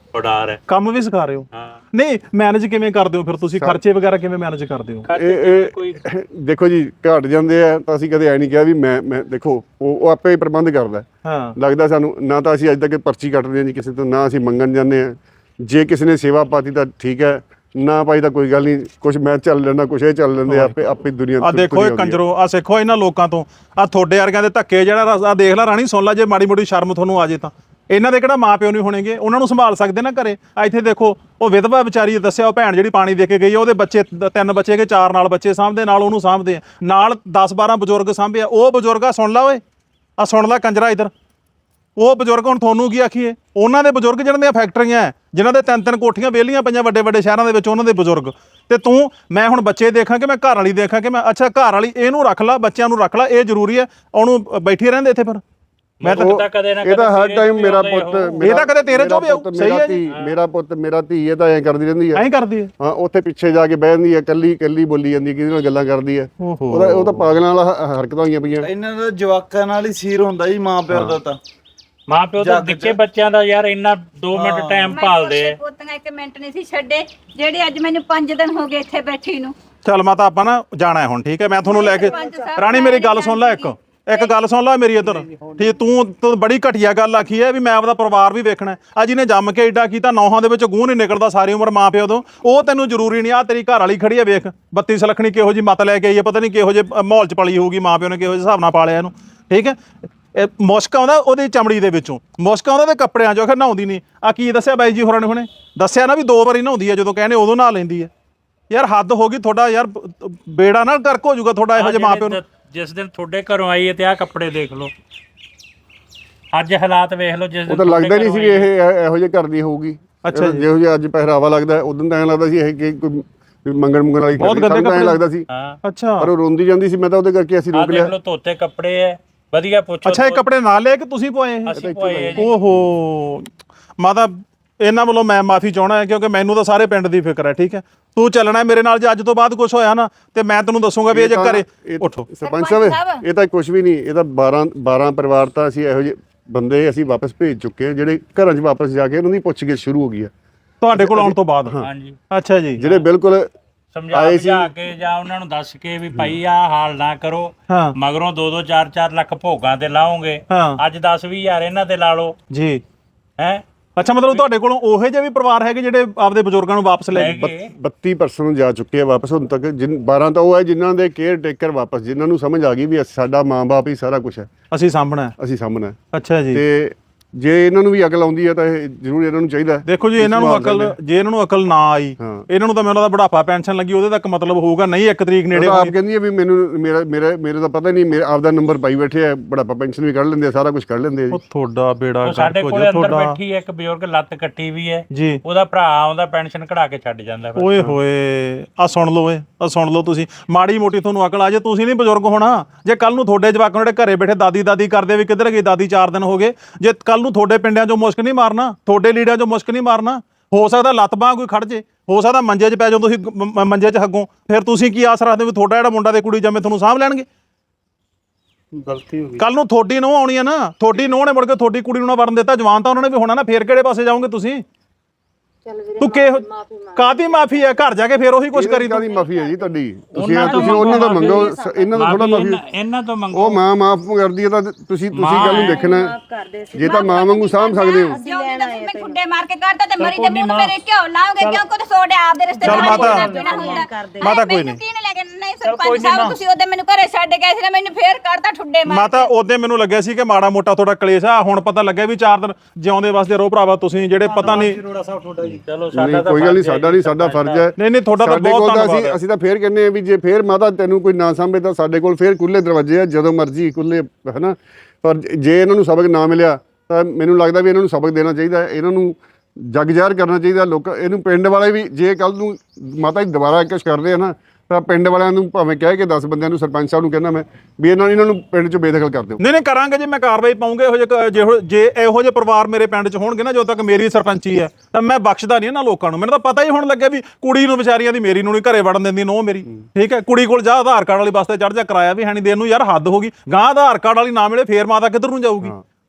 Speaker 1: ਉਡਾਰ ਹੈ।
Speaker 3: ਕੰਮ ਵੀ ਸਿਖਾ ਰਹੇ ਹੋ?
Speaker 1: ਹਾਂ।
Speaker 3: ਨਹੀਂ ਮੈਨੇਜ ਕਿਵੇਂ ਕਰਦੇ ਹੋ ਫਿਰ ਤੁਸੀਂ, ਖਰਚੇ ਵਗੈਰਾ ਕਿਵੇਂ ਮੈਨੇਜ ਕਰਦੇ ਹੋ?
Speaker 2: ਇਹ ਇਹ ਦੇਖੋ ਜੀ ਘਟ ਜਾਂਦੇ ਆ ਤਾਂ ਅਸੀਂ ਕਦੇ ਐ ਨਹੀਂ ਕਿਹਾ ਵੀ ਮੈਂ ਮੈਂ ਦੇਖੋ ਉਹ ਉਹ ਆਪੇ ਹੀ ਪ੍ਰਬੰਧ ਕਰਦਾ।
Speaker 3: ਹਾਂ
Speaker 2: ਲੱਗਦਾ ਸਾਨੂੰ ਨਾ ਤਾਂ ਅਸੀਂ ਅੱਜ ਤੱਕ ਪਰਚੀ ਕੱਟਦੇ ਹਾਂ ਜੀ ਕਿਸੇ ਤੋਂ, ਨਾ ਅਸੀਂ ਮੰਗਣ ਜਾਂਦੇ ਹਾਂ। ਜੇ ਕਿਸੇ ਨੇ ਸੇਵਾ ਪਾਤੀ ਤਾਂ ਠੀਕ ਹੈ, ਨਾ ਪਾਈ ਤਾਂ ਕੋਈ ਗੱਲ ਨਹੀਂ, ਕੁਝ ਮੈਂ ਚੱਲ ਲੈਣਾ, ਕੁਝ ਇਹ ਚੱਲ ਲੈਂਦੇ ਆਪੇ ਆਪੇ ਦੁਨੀਆ
Speaker 3: ਆ ਦੇਖੋ ਇਹ ਕੰਜਰੋ, ਆ ਸਿੱਖੋ ਇਹਨਾਂ ਲੋਕਾਂ ਤੋਂ। ਆ ਤੁਹਾਡੇ ਵਰਗਿਆਂ ਦੇ ਧੱਕੇ ਜਿਹੜਾ ਆ ਦੇਖ ਲੈ ਰਾਣੀ, ਸੁਣ ਲੈ, ਜੇ ਮਾੜੀ ਮੋਟੀ ਸ਼ਰਮ ਤੁਹਾਨੂੰ ਆ ਜੇ ਤਾਂ ਇਹਨਾਂ ਦੇ ਕਿਹੜਾ ਮਾਂ ਪਿਓ ਨਹੀਂ ਹੋਣਗੇ, ਉਹਨਾਂ ਨੂੰ ਸੰਭਾਲ ਸਕਦੇ ਨਾ ਘਰੇ। ਆ ਇੱਥੇ ਦੇਖੋ ਉਹ ਵਿਧਵਾ ਵਿਚਾਰੀ ਦੱਸਿਆ, ਉਹ ਭੈਣ ਜਿਹੜੀ ਪਾਣੀ ਦੇ ਕੇ ਗਈ ਆ, ਉਹਦੇ ਬੱਚੇ ਤਿੰਨ ਬੱਚੇ ਕੇ ਚਾਰ ਨਾਲ ਬੱਚੇ ਸਾਂਭਦੇ, ਨਾਲ ਉਹਨੂੰ ਸਾਂਭਦੇ ਆ, ਨਾਲ ਦਸ ਬਾਰਾਂ ਬਜ਼ੁਰਗ ਸਾਂਭੇ ਆ। ਉਹ ਬਜ਼ੁਰਗ ਆ ਸੁਣ ਲਾ ਓਏ, ਆ ਸੁਣ ਲੈ ਕੰਜਰਾ ਇੱਧਰ, ਉਹ ਬਜ਼ੁਰਗ ਹੁਣ ਤੁਹਾਨੂੰ ਕੀ ਆਖੀਏ, ਉਹਨਾਂ ਦੇ ਬਜ਼ੁਰਗ ਜਿਹਨਾਂ ਦੀਆਂ ਫੈਕਟਰੀਆਂ ਹੈ, ਜਿਨ੍ਹਾਂ ਦੇ ਤਿੰਨ ਤਿੰਨ ਕੋਠੀਆਂ ਵਿਹਲੀਆਂ ਪਈਆਂ ਵੱਡੇ ਵੱਡੇ ਸ਼ਹਿਰਾਂ ਦੇ ਵਿੱਚ, ਉਹਨਾਂ ਦੇ ਬਜ਼ੁਰਗ। ਤੇ ਤੂੰ ਮੈਂ ਹੁਣ ਬੱਚੇ ਦੇਖਾਂ ਕਿ ਮੈਂ ਘਰ ਵਾਲੀ ਦੇਖਾਂ ਕਿ ਮੈਂ, ਅੱਛਾ ਘਰ ਵਾਲੀ ਇਹਨੂੰ ਰੱਖ ਲਾ, ਬੱਚਿਆਂ ਨੂੰ ਰੱਖ ਲਾ, ਇਹ ਜ਼ਰੂਰੀ ਹੈ, ਉਹਨੂੰ ਬੈਠੀ ਰਹਿੰਦੇ ਇੱਥੇ ਫਿਰ। ਮੈਂ ਤਾਂ
Speaker 1: ਕਦੇ ਨਾ
Speaker 2: ਇਹ ਤਾਂ ਹਰ ਟਾਈਮ ਮੇਰਾ ਪੁੱਤ,
Speaker 3: ਇਹ ਤਾਂ ਕਦੇ ਤੇਰੇ ਚੋਂ ਵੀ ਆਊ, ਸਹੀ ਹੈ ਜੀ।
Speaker 2: ਮੇਰਾ ਪੁੱਤ ਮੇਰਾ ਧੀ ਇਹ ਤਾਂ ਐਂ ਕਰਦੀ ਰਹਿੰਦੀ ਹੈ,
Speaker 3: ਐਂ ਕਰਦੀ ਹੈ।
Speaker 2: ਹਾਂ ਉੱਥੇ ਪਿੱਛੇ ਜਾ ਕੇ ਬਹਿ ਜਾਂਦੀ ਹੈ, ਕੱਲੀ ਕੱਲੀ ਬੋਲੀ ਜਾਂਦੀ ਹੈ, ਕਿਹਦੇ ਨਾਲ ਗੱਲਾਂ ਕਰਦੀ ਹੈ। ਉਹਦਾ ਉਹ ਤਾਂ ਪਾਗਲਾਂ ਵਾਲਾ ਹ- ਹਰਕਤਾਂ ਹੋਈਆਂ ਪਈਆਂ।
Speaker 9: ਇਹਨਾਂ ਦਾ ਜਵਾਕਾਂ ਨਾਲ ਹੀ ਸੀਰ ਹੁੰਦਾ ਜੀ, ਮਾਂ ਪਿਓ ਦਾ ਤਾਂ।
Speaker 1: ਮਾਂ ਪਿਓ ਤਾਂ ਨਿੱਕੇ ਬੱਚਿਆਂ ਦਾ ਯਾਰ ਇੰਨਾ ਦੋ ਮਿੰਟ ਟਾਈਮ ਭਾਲਦੇ ਆ।
Speaker 8: ਪੋਤੀਆਂ ਇੱਕ ਮਿੰਟ ਨਹੀਂ ਸੀ ਛੱਡੇ, ਜਿਹੜੇ ਅੱਜ ਮੈਨੂੰ ਪੰਜ ਦਿਨ ਹੋ ਗਏ ਇੱਥੇ ਬੈਠੀ ਨੂੰ।
Speaker 3: ਚੱਲ ਮਾਤਾ ਆਪਾਂ ਨਾ ਜਾਣਾ ਹੈ ਹੁਣ, ਠੀਕ ਹੈ? ਮੈਂ ਤੁਹਾਨੂੰ ਲੈ ਕੇ, ਰਾਣੀ ਮੇਰੀ ਗੱਲ ਸੁਣ ਲੈ, ਇੱਕ ਇੱਕ ਗੱਲ ਸੁਣ ਲੈ ਮੇਰੀ ਇੱਧਰ, ਠੀਕ? ਤੂੰ ਤੂੰ ਬੜੀ ਘਟੀਆ ਗੱਲ ਆਖੀ ਹੈ ਵੀ ਮੈਂ ਆਪਦਾ ਪਰਿਵਾਰ ਵੀ ਵੇਖਣਾ। ਆ ਜਿਹਨੇ ਜੰਮ ਕੇ ਏਡਾ ਕੀਤਾ, ਨੌਹਾਂ ਦੇ ਵਿੱਚ ਗੂੰ ਨਹੀਂ ਨਿਕਲਦਾ ਸਾਰੀ ਉਮਰ ਮਾਂ ਪਿਓ ਤੋਂ, ਉਹ ਤੈਨੂੰ ਜ਼ਰੂਰੀ ਨਹੀਂ। ਆ ਤੇਰੀ ਘਰ ਵਾਲੀ ਖੜੀ ਹੈ, ਵੇਖ ਬੱਤੀ ਸਲਖਣੀ ਕਿਹੋ ਜੀ ਮਤ ਲੈ ਕੇ ਆਈ ਹੈ, ਪਤਾ ਨਹੀਂ ਕਿਹੋ ਜਿਹੇ ਮਾਹੌਲ ਚ ਪਲੀ ਹੋਊਗੀ, ਮਾਂ ਪਿਓ ਨੇ ਕਿਹੋ ਜਿਹੇ ਹਿਸਾਬ ਨਾਲ ਪਾਲਿਆ ਇਹਨੂੰ, ਠੀਕ ਹੈ? ਇਹ ਮੁਸ਼ਕ ਆਉਂਦਾ ਉਹਦੀ ਚਮੜੀ ਦੇ ਵਿੱਚੋਂ, ਮੁਸ਼ਕ ਆਉਂਦਾ ਤੇ ਕੱਪੜਿਆਂ ਚੋਂ, ਆਖਰ ਨਹਾਉਂਦੀ ਨਹੀਂ। ਆ ਕੀ ਦੱਸਿਆ ਬਾਈ ਜੀ ਹੋਰਾਂ ਨੇ ਹੁਣੇ ਦੱਸਿਆ ਨਾ ਵੀ ਦੋ ਵਾਰੀ ਨਹਾਉਂਦੀ ਹੈ, ਜਦੋਂ ਕਹਿੰਦੇ ਉਦੋਂ ਨਹਾ ਲੈਂਦੀ ਹੈ। ਯਾਰ ਹੱਦ ਹੋ ਗਈ ਤੁਹਾਡਾ, ਯਾਰ ਬੇੜਾ ਨਾ ਗਰਕ ਹੋ ਜਾਊਗਾ ਤੁਹਾਡਾ ਇਹੋ ਜਿਹੇ ਮਾਂ ਪਿਓ ਨੂੰ।
Speaker 1: ਜਿਸ ਦਿਨ ਤੁਹਾਡੇ ਘਰੋਂ ਆਈ ਹੈ ਤੇ ਆਹ ਕੱਪੜੇ ਦੇਖ ਲਓ, ਅੱਜ ਹਾਲਾਤ ਵੇਖ ਲਓ। ਜਿਸ
Speaker 2: ਉਹ ਤਾਂ ਲੱਗਦਾ ਨਹੀਂ ਸੀ ਵੀ ਇਹ ਇਹ- ਇਹੋ ਜਿਹੇ ਘਰ ਦੀ ਹੋਊਗੀ।
Speaker 3: ਅੱਛਾ ਜੀ।
Speaker 2: ਜਿਹੋ ਜਿਹਾ ਅੱਜ ਪਹਿਰਾਵਾ ਲੱਗਦਾ, ਉਦੋਂ ਤਾਂ ਐਂ ਲੱਗਦਾ ਸੀ ਇਹ ਕਿ ਕੋਈ ਮੰਗਣ ਮੰਗਣ ਵਾਲੀ
Speaker 3: ਬਹੁਤ ਗੰਦੇ
Speaker 2: ਐਂ
Speaker 3: ਕੱਪੜੇ
Speaker 2: ਲੱਗਦਾ ਸੀ।
Speaker 1: ਹਾਂ
Speaker 3: ਅੱਛਾ
Speaker 2: ਪਰ ਉਹ ਰੋਂਦੀ ਜਾਂਦੀ ਸੀ, ਮੈਂ ਤਾਂ ਉਹਦੇ ਕਰਕੇ ਅਸੀਂ
Speaker 1: ਆਹ
Speaker 2: ਰੋਕ
Speaker 1: ਦੇਖ
Speaker 2: ਲਿਆ।
Speaker 1: ਲਓ ਧੋਤੇ ਕੱਪੜੇ ਐ, ਵਧੀਆ ਪੁੱਛੋ।
Speaker 3: ਅੱਛਾ ਇਹ ਕੱਪੜੇ ਨਾਲ ਲੈ ਕੇ ਤੁਸੀਂ ਪਵਾਏ ਇਹ?
Speaker 1: ਅਸੀਂ ਪਵਾਏ ਆ ਜੀ।
Speaker 3: ਓਹੋ ਮਾਤਾ, ਇਹਨਾਂ ਵੱਲੋਂ ਮੈਂ ਮਾਫੀ ਚਾਹਣਾ ਹੈ, ਕਿਉਂਕਿ ਮੈਨੂੰ ਤਾਂ ਸਾਰੇ ਪਿੰਡ ਦੀ ਫਿਕਰ ਹੈ, ਠੀਕ ਹੈ? ਤੂੰ ਚੱਲਣਾ ਮੇਰੇ ਨਾਲ, ਜੇ ਅੱਜ ਤੋਂ ਬਾਅਦ ਕੁਝ ਹੋਇਆ ਨਾ ਤੇ ਮੈਂ ਤੈਨੂੰ ਦੱਸੂਗਾ ਵੀ ਇਹ ਜੇ ਘਰੇ ਉੱਠੋ।
Speaker 2: ਸਰਪੰਚ ਸਾਹਿਬ ਇਹ ਤਾਂ ਕੁਝ ਵੀ ਨਹੀਂ, ਇਹ ਤਾਂ ਬਾਰਾਂ ਬਾਰਾਂ ਪਰਿਵਾਰ ਤਾਂ ਅਸੀਂ ਇਹੋ ਜਿਹੇ ਬੰਦੇ ਅਸੀਂ ਵਾਪਸ ਭੇਜ ਚੁੱਕੇ ਹਾਂ, ਜਿਹੜੇ ਘਰਾਂ 'ਚ ਵਾਪਸ ਜਾ ਕੇ ਉਹਨਾਂ ਦੀ ਪੁੱਛਗਿੱਛ ਸ਼ੁਰੂ ਹੋ ਗਈ ਹੈ
Speaker 3: ਤੁਹਾਡੇ ਕੋਲ ਆਉਣ ਤੋਂ ਬਾਅਦ?
Speaker 1: ਹਾਂਜੀ
Speaker 3: ਅੱਛਾ ਜੀ।
Speaker 2: ਜਿਹੜੇ ਬਿਲਕੁਲ
Speaker 1: ਸਮਝਾ ਬੁਝਾ ਕੇ ਜਾਂ ਉਹਨਾਂ ਨੂੰ ਦੱਸ ਕੇ ਵੀ ਭਾਈ ਆਹ ਹਾਲ ਨਾ ਕਰੋ,
Speaker 3: ਹਾਂ
Speaker 1: ਮਗਰੋਂ ਦੋ ਦੋ ਚਾਰ ਚਾਰ ਲੱਖ ਭੋਗਾਂ ਤੇ ਲਾਓਗੇ,
Speaker 3: ਹਾਂ
Speaker 1: ਅੱਜ ਦਸ ਵੀਹ ਹਜ਼ਾਰ ਇਹਨਾਂ ਤੇ ਲਾ ਲਓ
Speaker 3: ਜੀ।
Speaker 1: ਹੈ।
Speaker 3: ਅੱਛਾ ਮਤਲਬ ਤੁਹਾਡੇ ਕੋਲੋਂ ਉਹੇ ਜਿਹੇ ਵੀ ਪਰਿਵਾਰ ਹੈਗੇ ਜਿਹੜੇ ਆਪਦੇ ਬਜ਼ੁਰਗਾਂ ਨੂੰ ਵਾਪਸ ਲੈ ਗਏ?
Speaker 2: ਬੱਤੀ ਪਰਸੈਂਟ ਜਾ ਚੁੱਕੇ ਆ ਵਾਪਸ ਹੁਣ ਤੱਕ। ਜਿਨ ਬਾਰਾਂ ਤਾਂ ਉਹ ਹੈ ਜਿਨ੍ਹਾਂ ਦੇ ਕੇਅਰ ਟੇਕਰ ਵਾਪਸ, ਜਿਨ੍ਹਾਂ ਨੂੰ ਸਮਝ ਆ ਗਈ ਵੀ ਸਾਡਾ ਮਾਂ-ਬਾਪ ਹੀ ਸਾਰਾ ਕੁਝ ਹੈ,
Speaker 3: ਅਸੀਂ ਸਾਂਭਣਾ,
Speaker 2: ਅਸੀਂ ਸਾਂਭਣਾ।
Speaker 3: ਅੱਛਾ ਜੀ।
Speaker 2: ਤੇ ਜੇ ਇਹਨਾਂ ਨੂੰ ਵੀ ਅਕਲ ਆਉਂਦੀ ਹੈ ਤਾਂ ਇਹ ਜ਼ਰੂਰ ਇਹਨਾਂ ਨੂੰ ਚਾਹੀਦਾ।
Speaker 3: ਦੇਖੋ ਜੀ ਇਹਨਾਂ ਨੂੰ ਅਕਲ, ਜੇ ਇਹਨਾਂ ਨੂੰ ਅਕਲ ਨਾ ਆਈ, ਇਹਨਾਂ ਨੂੰ ਤਾਂ ਮੈਨੂੰ ਲੱਗਦਾ ਬੁਢਾਪਾ ਪੈਨਸ਼ਨ ਲੱਗੀ ਉਹਦੇ ਤੱਕ ਮਤਲਬ ਹੋਊਗਾ ਨਹੀਂ, ਇੱਕ ਤਰੀਕ ਨੇੜੇ
Speaker 2: ਆਪ ਕਹਿੰਦੀ ਹੈ ਵੀ ਮੈਨੂੰ ਮੇਰਾ ਮੇਰਾ ਮੇਰੇ ਤਾਂ ਪਤਾ ਨਹੀਂ, ਮੇਰਾ ਆਪਦਾ ਨੰਬਰ ਪਾਈ ਬੈਠੇ ਆ, ਬੁਢਾਪਾ ਪੈਨਸ਼ਨ ਵੀ ਕੱਢ ਲੈਂਦੇ ਆ, ਸਾਰਾ ਕੁਝ ਕੱਢ ਲੈਂਦੇ ਆ ਜੀ।
Speaker 3: ਉਹ ਤੁਹਾਡਾ ਬੇੜਾ
Speaker 1: ਸਾਡੇ
Speaker 3: ਗਰਕ ਹੋ
Speaker 1: ਕੋਲੇ
Speaker 3: ਜਾ
Speaker 1: ਅੰਦਰ
Speaker 3: ਤੁਹਾਡਾ।
Speaker 1: ਬੈਠੀ ਹੈ ਇੱਕ ਬਜ਼ੁਰਗ, ਲੱਤ ਕੱਟੀ ਵੀ ਹੈ
Speaker 3: ਜੀ।
Speaker 1: ਉਹਦਾ ਭਰਾ ਆਉਂਦਾ ਪੈਨਸ਼ਨ ਕਢਾ ਕੇ ਛੱਡ ਜਾਂਦਾ।
Speaker 3: ਓਏ ਹੋਏ ਆ ਸੁਣ ਲਓ, ਏ ਆ ਸੁਣ ਲਓ, ਤੁਸੀਂ ਮਾੜੀ ਮੋਟੀ ਤੁਹਾਨੂੰ ਅਕਲ ਆ ਜੇ, ਤੁਸੀਂ ਨਹੀਂ ਬਜ਼ੁਰਗ ਹੋਣਾ। ਜੇ ਕੱਲ ਨੂੰ ਤੁਹਾਡੇ ਜਵਾਕਾਂ ਜਿਹੜੇ ਘਰੇ ਬੈਠੇ ਦਾਦੀ ਦਾਦੀ ਕਰਦੇ ਵੀ ਕਿੱਧਰ ਗਈ ਦਾਦੀ, ਚਾਰ ਦਿਨ ਹੋ ਗਏ, ਜੇ ਕੱਲ ਨੂੰ ਤੁਹਾਡੇ ਪਿੰਡਾਂ 'ਚੋਂ ਮੁਸ਼ਕ ਨਹੀਂ ਮਾਰਨਾ, ਤੁਹਾਡੇ ਲੀੜਿਆਂ 'ਚੋਂ ਮੁਸ਼ਕ ਨਹੀਂ ਮਾਰਨਾ, ਹੋ ਸਕਦਾ ਲੱਤ ਬਾਂਹ ਕੋਈ ਖੜ ਜੇ, ਹੋ ਸਕਦਾ ਮੰਜੇ 'ਚ ਪੈ ਜਾਓ ਤੁਸੀਂ, ਮ- ਮੰਜੇ 'ਚ ਹੱਗੋਂ, ਫਿਰ ਤੁਸੀਂ ਕੀ ਆਸ ਰੱਖਦੇ ਵੀ ਤੁਹਾਡਾ ਜਿਹੜਾ ਮੁੰਡਾ ਤੇ ਕੁੜੀ ਜੰਮੇ ਤੁਹਾਨੂੰ ਸਾਂਭ ਲੈਣਗੇ?
Speaker 7: ਗਲਤੀ ਹੋ ਗਈ।
Speaker 3: ਕੱਲ ਨੂੰ ਤੁਹਾਡੀ ਨੂੰਹ ਆਉਣੀ ਆ ਨਾ, ਤੁਹਾਡੀ ਨੂੰਹ ਨੇ ਮੁੜ ਕੇ ਤੁਹਾਡੀ ਕੁੜੀ ਨੂੰ ਨਾ ਵਰਨ ਦਿੱਤਾ, ਜਵਾਨ ਤਾਂ ਉਹਨਾਂ ਨੇ ਵੀ ਹੋਣਾ ਨਾ, ਫੇਰ ਕਿਹੜੇ ਪਾਸੇ ਜਾਓਗੇ ਤੁਸੀਂ? ਤੂੰ ਕਿ ਕਾਦੀ ਮਾਫੀ ਹੈ? ਘਰ ਜਾ ਕੇ ਫੇਰ ਉਹੀ ਕੁਝ ਕਰੀ
Speaker 2: ਕਾਦੀ ਮਾਫੀ ਹੈ ਜੀ ਤੁਹਾਡੀ? ਤੁਸੀਂ ਤੁਸੀਂ ਉਹਨਾਂ ਦਾ ਮੰਗੋ, ਇਹਨਾਂ ਦਾ ਥੋੜਾ ਮਾਫੀ।
Speaker 1: ਇਹਨਾਂ ਤੋਂ ਮੰਗੋ।
Speaker 2: ਉਹ ਮਾਂ ਮਾਫ ਕਰਦੀ ਹੈ ਤਾਂ ਤੁਸੀਂ ਤੁਸੀਂ ਗੱਲ ਨੂੰ ਦੇਖਣਾ, ਜੇ ਤਾਂ ਮਾਂ ਵਾਂਗੂ ਸਾਂਭ ਸਕਦੇ ਹੋ।
Speaker 8: ਮੈਂ ਖੁੱਡੇ ਮਾਰ ਕੇ ਕੱਢਦਾ ਤੇ ਮਰੀ ਦੇ ਮੂੰਹ ਮੇਰੇ ਕਿਉਂ ਲਾਉਂਗੇ? ਕਿਉਂ ਕੋ ਸੋਡੇ ਆਪਦੇ ਰਿਸ਼ਤੇ
Speaker 3: ਚੱਲ ਮਾਤਾ, ਮਾਤਾ ਕੋਈ
Speaker 8: ਮੈਨੂੰ
Speaker 3: ਨਹੀਂ,
Speaker 8: ਕੀ ਲੈ ਕੇ ਨਹੀਂ ਸਰਪੰਚ ਸਾਹਿਬ, ਤੁਸੀਂ ਉਹਦੇ ਮੈਨੂੰ ਘਰੇ ਛੱਡ ਗਏ ਸੀ ਨਾ, ਮੈਨੂੰ ਫੇਰ ਕੱਢਦਾ ਠੁੱਡੇ ਮਾਰ।
Speaker 3: ਮਾਤਾ ਉਹਦੇ ਮੈਨੂੰ ਲੱਗਿਆ ਸੀ ਕਿ ਮਾੜਾ ਮੋਟਾ ਤੁਹਾਡਾ ਕਲੇਸ਼ ਆ, ਹੁਣ ਪਤਾ ਲੱਗਿਆ ਵੀ ਚਾਰ ਦਿਨ ਜਿਉਂਦੇ ਵਾਸਤੇ ਰਹੋ ਭਰਾਵਾ ਤੁਸੀਂ, ਜਿਹੜੇ ਪਤਾ ਨਹੀਂ।
Speaker 1: ਚਲੋ
Speaker 2: ਨਹੀਂ ਕੋਈ ਗੱਲ ਨਹੀਂ, ਸਾਡਾ ਨਹੀਂ, ਸਾਡਾ ਫਰਜ਼ ਹੈ।
Speaker 3: ਨਹੀਂ ਨਹੀਂ ਤੁਹਾਡਾ ਤਾਂ
Speaker 2: ਸਾਡੇ
Speaker 3: ਬਹੁਤ
Speaker 2: ਕੋਲ ਤਾਂ
Speaker 3: ਧੰਨਵਾਦ
Speaker 2: ਅਸੀਂ
Speaker 3: ਹੈ।
Speaker 2: ਅਸੀਂ ਤਾਂ ਫੇਰ ਕਹਿੰਦੇ ਆ ਵੀ ਜੇ ਫੇਰ ਮਾਤਾ ਤੈਨੂੰ ਕੋਈ ਨਾ ਸਾਂਭੇ ਤਾਂ ਸਾਡੇ ਕੋਲ ਫੇਰ ਖੁੱਲੇ ਦਰਵਾਜ਼ੇ ਆ, ਜਦੋਂ ਮਰਜ਼ੀ ਖੁੱਲੇ, ਹੈਨਾ। ਪਰ ਜੇ ਇਹਨਾਂ ਨੂੰ ਸਬਕ ਨਾ ਮਿਲਿਆ ਤਾਂ ਮੈਨੂੰ ਲੱਗਦਾ ਵੀ ਇਹਨਾਂ ਨੂੰ ਸਬਕ ਦੇਣਾ ਚਾਹੀਦਾ, ਇਹਨਾਂ ਨੂੰ ਜਗ ਜ਼ਾਹਰ ਕਰਨਾ ਚਾਹੀਦਾ। ਲੋਕ ਇਹਨੂੰ ਪਿੰਡ ਵਾਲੇ ਵੀ ਜੇ ਕੱਲ ਨੂੰ ਮਾਤਾ ਜੀ ਦੁਬਾਰਾ ਕੁਛ ਕਰਦੇ ਆ ਨਾ ਤਾਂ ਪਿੰਡ ਵਾਲਿਆਂ ਨੂੰ ਭਾਵੇਂ ਕਹਿ ਕੇ ਦਸ ਬੰਦਿਆਂ ਨੂੰ, ਸਰਪੰਚ ਸਾਹਿਬ ਨੂੰ ਕਹਿੰਦਾ ਮੈਂ ਵੀ ਇਹਨਾਂ ਇਹਨਾਂ ਨੂੰ ਪਿੰਡ 'ਚ ਬੇਦਖਲ ਕਰ ਦਿਓ।
Speaker 3: ਨਹੀਂ ਨਹੀਂ ਕਰਾਂਗੇ ਜੀ, ਮੈਂ ਕਾਰਵਾਈ ਪਾਉਂਗੇ ਇਹੋ ਜਿਹੇ, ਜਿਹੋ ਜੇ ਇਹੋ ਜਿਹੇ ਪਰਿਵਾਰ ਮੇਰੇ ਪਿੰਡ 'ਚ ਹੋਣਗੇ ਨਾ, ਜਦੋਂ ਤੱਕ ਮੇਰੀ ਸਰਪੰਚੀ ਹੈ ਤਾਂ ਮੈਂ ਬਖਸ਼ਦਾ ਨਹੀਂ ਇਹਨਾਂ ਲੋਕਾਂ ਨੂੰ। ਮੈਨੂੰ ਤਾਂ ਪਤਾ ਹੀ ਹੁਣ ਲੱਗਿਆ ਵੀ ਕੁੜੀ ਨੂੰ ਵਿਚਾਰੀਆਂ ਦੀ, ਮੇਰੀ ਨੂੰ ਨਹੀਂ ਘਰੇ ਵੜਨ ਦਿੰਦੀ ਨੋ ਮੇਰੀ, ਠੀਕ ਹੈ? ਕੁੜੀ ਕੋਲ ਜਾ ਆਧਾਰ ਕਾਰਡ ਵਾਲੀ ਬੱਸ ਤੇ ਚੜ੍ਹ ਜਾ, ਕਰਾਇਆ ਵੀ ਹੈ ਨਹੀਂ ਦੇਣ ਨੂੰ, ਯਾਰ ਹੱਦ ਹੋ ਗਈ। ਗਾਂ ਆਧਾਰ ਕਾਰਡ ਵਾਲੀ ਨਾ ਮਿਲੇ ਫੇਰ ਮਾਤਾ ਕਿੱਧਰ ਨੂੰ ਜਾਊਗੀ?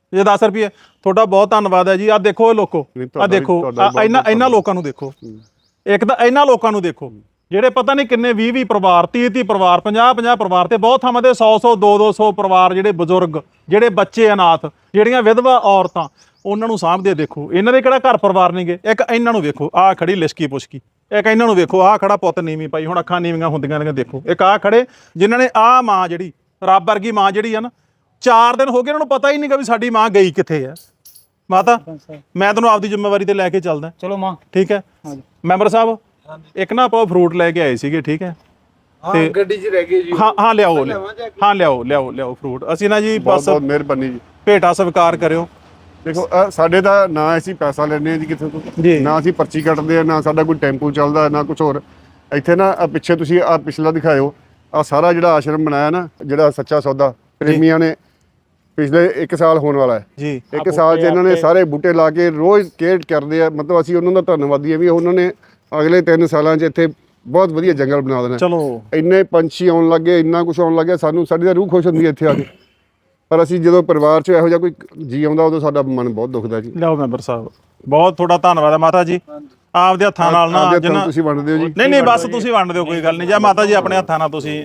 Speaker 3: ਜੇ ਦਸ ਰੁਪਏ ਤੁਹਾਡਾ ਬਹੁਤ ਧੰਨਵਾਦ ਹੈ ਜੀ। ਆ ਦੇਖੋ ਇਹ ਲੋਕੋ,
Speaker 2: ਨਹੀਂ,
Speaker 3: ਆ
Speaker 2: ਤੁਹਾਡਾ ਵੀ-
Speaker 3: ਦੇਖੋ
Speaker 2: ਤੁਹਾਡਾ
Speaker 3: ਆਹ
Speaker 2: ਬਹੁਤ
Speaker 3: ਇਹਨਾਂ
Speaker 2: ਬਹੁਤ
Speaker 3: ਇਹਨਾਂ ਲੋਕਾਂ ਨੂੰ ਦੇਖੋ, ਇੱਕ ਤਾਂ ਇਹਨਾਂ ਲੋਕਾਂ ਨੂੰ ਦੇਖੋ ਜਿਹੜੇ ਪਤਾ ਨਹੀਂ ਕਿੰਨੇ ਵੀਹ ਵੀਹ ਪਰਿਵਾਰ, ਤੀਹ ਤੀਹ ਪਰਿਵਾਰ, ਪੰਜਾਹ ਪੰਜਾਹ ਪਰਿਵਾਰ ਤੇ ਬਹੁਤ ਥਾਵਾਂ ਤੇ ਸੌ ਸੌ ਦੋ ਦੋ ਸੌ ਪਰਿਵਾਰ, ਜਿਹੜੇ ਬਜ਼ੁਰਗ, ਜਿਹੜੇ ਬੱਚੇ ਅਨਾਥ, ਜਿਹੜੀਆਂ ਵਿਧਵਾ ਔਰਤਾਂ, ਉਹਨਾਂ ਨੂੰ ਸਾਂਭਦੇ ਦੇਖੋ। ਇਹਨਾਂ ਦੇ ਕਿਹੜਾ ਘਰ ਪਰਿਵਾਰ ਨਹੀਂਗੇ। ਇੱਕ ਇਹਨਾਂ ਨੂੰ ਵੇਖੋ, ਆਹ ਖੜੀ ਲਿਸ਼ਕੀ ਪੁਸ਼ਕੀ, ਇੱਕ ਇਹਨਾਂ ਨੂੰ ਵੇਖੋ, ਆਹ ਖੜਾ ਪੁੱਤ ਨੀਵੀਂ ਪਾਈ, ਹੁਣ ਅੱਖਾਂ ਨੀਵੀਆਂ ਹੁੰਦੀਆਂ ਨੇ ਦੇਖੋ। ਇੱਕ ਆਹ ਖੜੇ ਜਿਨ੍ਹਾਂ ਨੇ ਆਹ ਮਾਂ ਜਿਹੜੀ ਰੱਬ ਵਰਗੀ ਮਾਂ ਜਿਹੜੀ ਆ ਨਾ, ਚਾਰ ਦਿਨ ਹੋ ਗਏ ਇਹਨਾਂ ਨੂੰ ਪਤਾ ਹੀ ਨਹੀਂਗਾ ਵੀ ਸਾਡੀ ਮਾਂ ਗਈ ਕਿੱਥੇ ਹੈ। ਮਾਤਾ ਮੈਂ ਤੁਹਾਨੂੰ ਆਪਦੀ ਜ਼ਿੰਮੇਵਾਰੀ ਤੇ ਲੈ ਕੇ ਚੱਲਦਾ,
Speaker 7: ਚਲੋ ਮਾਂ।
Speaker 3: ਠੀਕ ਹੈ ਮੈਂਬਰ ਸਾਹਿਬ, ਇੱਕ ਨਾ ਆਪਾਂ ਫਰੂਟ ਲੈ ਕੇ ਆਏ ਸੀਗੇ, ਠੀਕ ਹੈ
Speaker 9: ਹਾਂ ਗੱਡੀ 'ਚ ਰਹਿ ਗਏ ਜੀ।
Speaker 3: ਹਾਂ ਹਾਂ ਲਿਆਓ ਲਿਆਓ, ਹਾਂ ਲਿਆਓ ਲਿਆਓ ਲਿਆਓ ਫਰੂਟ। ਅਸੀਂ ਨਾ ਜੀ
Speaker 2: ਬਹੁਤ
Speaker 3: ਬਸ
Speaker 2: ਬਹੁਤ ਮਿਹਰਬਾਨੀ ਜੀ।
Speaker 3: ਭੇਟਾ ਸਵੀਕਾਰ ਕਰਿਓ।
Speaker 2: ਦੇਖੋ ਅਹ ਸਾਡੇ ਦਾ ਨਾ ਅਸੀਂ ਪੈਸਾ ਲੈਂਦੇ ਹਾਂ ਜੀ ਕਿਸੇ ਤੋਂ,
Speaker 3: ਜੀ।
Speaker 2: ਨਾ ਅਸੀਂ ਪਰਚੀ ਕੱਟਦੇ ਆ, ਨਾ ਸਾਡਾ ਕੋਈ ਟੈਂਪੂ ਚੱਲਦਾ, ਨਾ ਕੁਝ ਹੋਰ। ਇੱਥੇ ਨਾ ਆਹ ਪਿੱਛੇ ਤੁਸੀਂ ਆ ਪਿਛਲਾ ਦਿਖਾਇਓ, ਆ ਸਾਰਾ ਜਿਹੜਾ ਆਸ਼ਰਮ ਬਣਾਇਆ ਨਾ, ਜਿਹੜਾ ਸੱਚਾ ਸੌਦਾ ਪ੍ਰੇਮੀਆਂ ਨੇ, ਪਿਛਲੇ ਇੱਕ ਸਾਲ ਹੋਣ ਵਾਲਾ ਹੈ
Speaker 3: ਜੀ।
Speaker 2: ਇੱਕ ਸਾਲ 'ਚ ਇਹਨਾਂ ਨੇ ਸਾਰੇ ਬੂਟੇ ਲਾ ਕੇ ਰੋਜ਼ ਕੇਅਰ ਕਰਦੇ ਆ। ਮਤਲਬ ਅਸੀਂ ਉਹਨਾਂ ਦਾ ਧੰਨਵਾਦੀ ਆ ਵੀ ਉਹਨਾਂ ਨੇ ਅਗਲੇ ਤਿੰਨ ਸਾਲਾਂ 'ਚ ਇੱਥੇ ਬਹੁਤ ਵਧੀਆ ਜੰਗਲ ਬਣਾ ਦੇਣਾ।
Speaker 3: ਚਲੋ
Speaker 2: ਇੰਨੇ ਪੰਛੀ ਆਉਣ ਲੱਗੇ, ਇੰਨਾ ਕੁਝ ਆਉਣ ਲੱਗਿਆ, ਸਾਨੂੰ ਸਾਡੀ ਤਾਂ ਰੂਹ ਖੁਸ਼ ਹੁੰਦੀ ਹੈ ਇੱਥੇ ਆ ਕੇ। ਪਰ ਅਸੀਂ ਜਦੋਂ ਪਰਿਵਾਰ 'ਚ ਇਹੋ ਜਿਹਾ ਕੋਈ ਜੀ ਆਉਂਦਾ, ਉਦੋਂ ਸਾਡਾ ਮਨ ਬਹੁਤ ਦੁਖਦਾ ਜੀ।
Speaker 3: ਲਿਆਓ ਮੈਂਬਰ ਸਾਹਿਬ, ਬਹੁਤ ਤੁਹਾਡਾ ਧੰਨਵਾਦ ਹੈ ਮਾਤਾ ਜੀ। ਆਪਦੇ ਹੱਥਾਂ ਨਾਲ ਨਾ
Speaker 2: ਆਪਦੇ ਹੱਥਾਂ
Speaker 3: ਜਿੰਨਾ
Speaker 2: ਤੁਸੀਂ ਵੰਡਦੇ ਹੋ ਜੀ।
Speaker 3: ਨਹੀਂ ਨਹੀਂ ਬਸ ਤੁਸੀਂ ਵੰਡ ਦਿਓ, ਕੋਈ ਗੱਲ ਨਹੀਂ। ਜਾਂ ਮਾਤਾ ਜੀ ਆਪਣੇ ਹੱਥਾਂ ਨਾਲ ਤੁਸੀਂ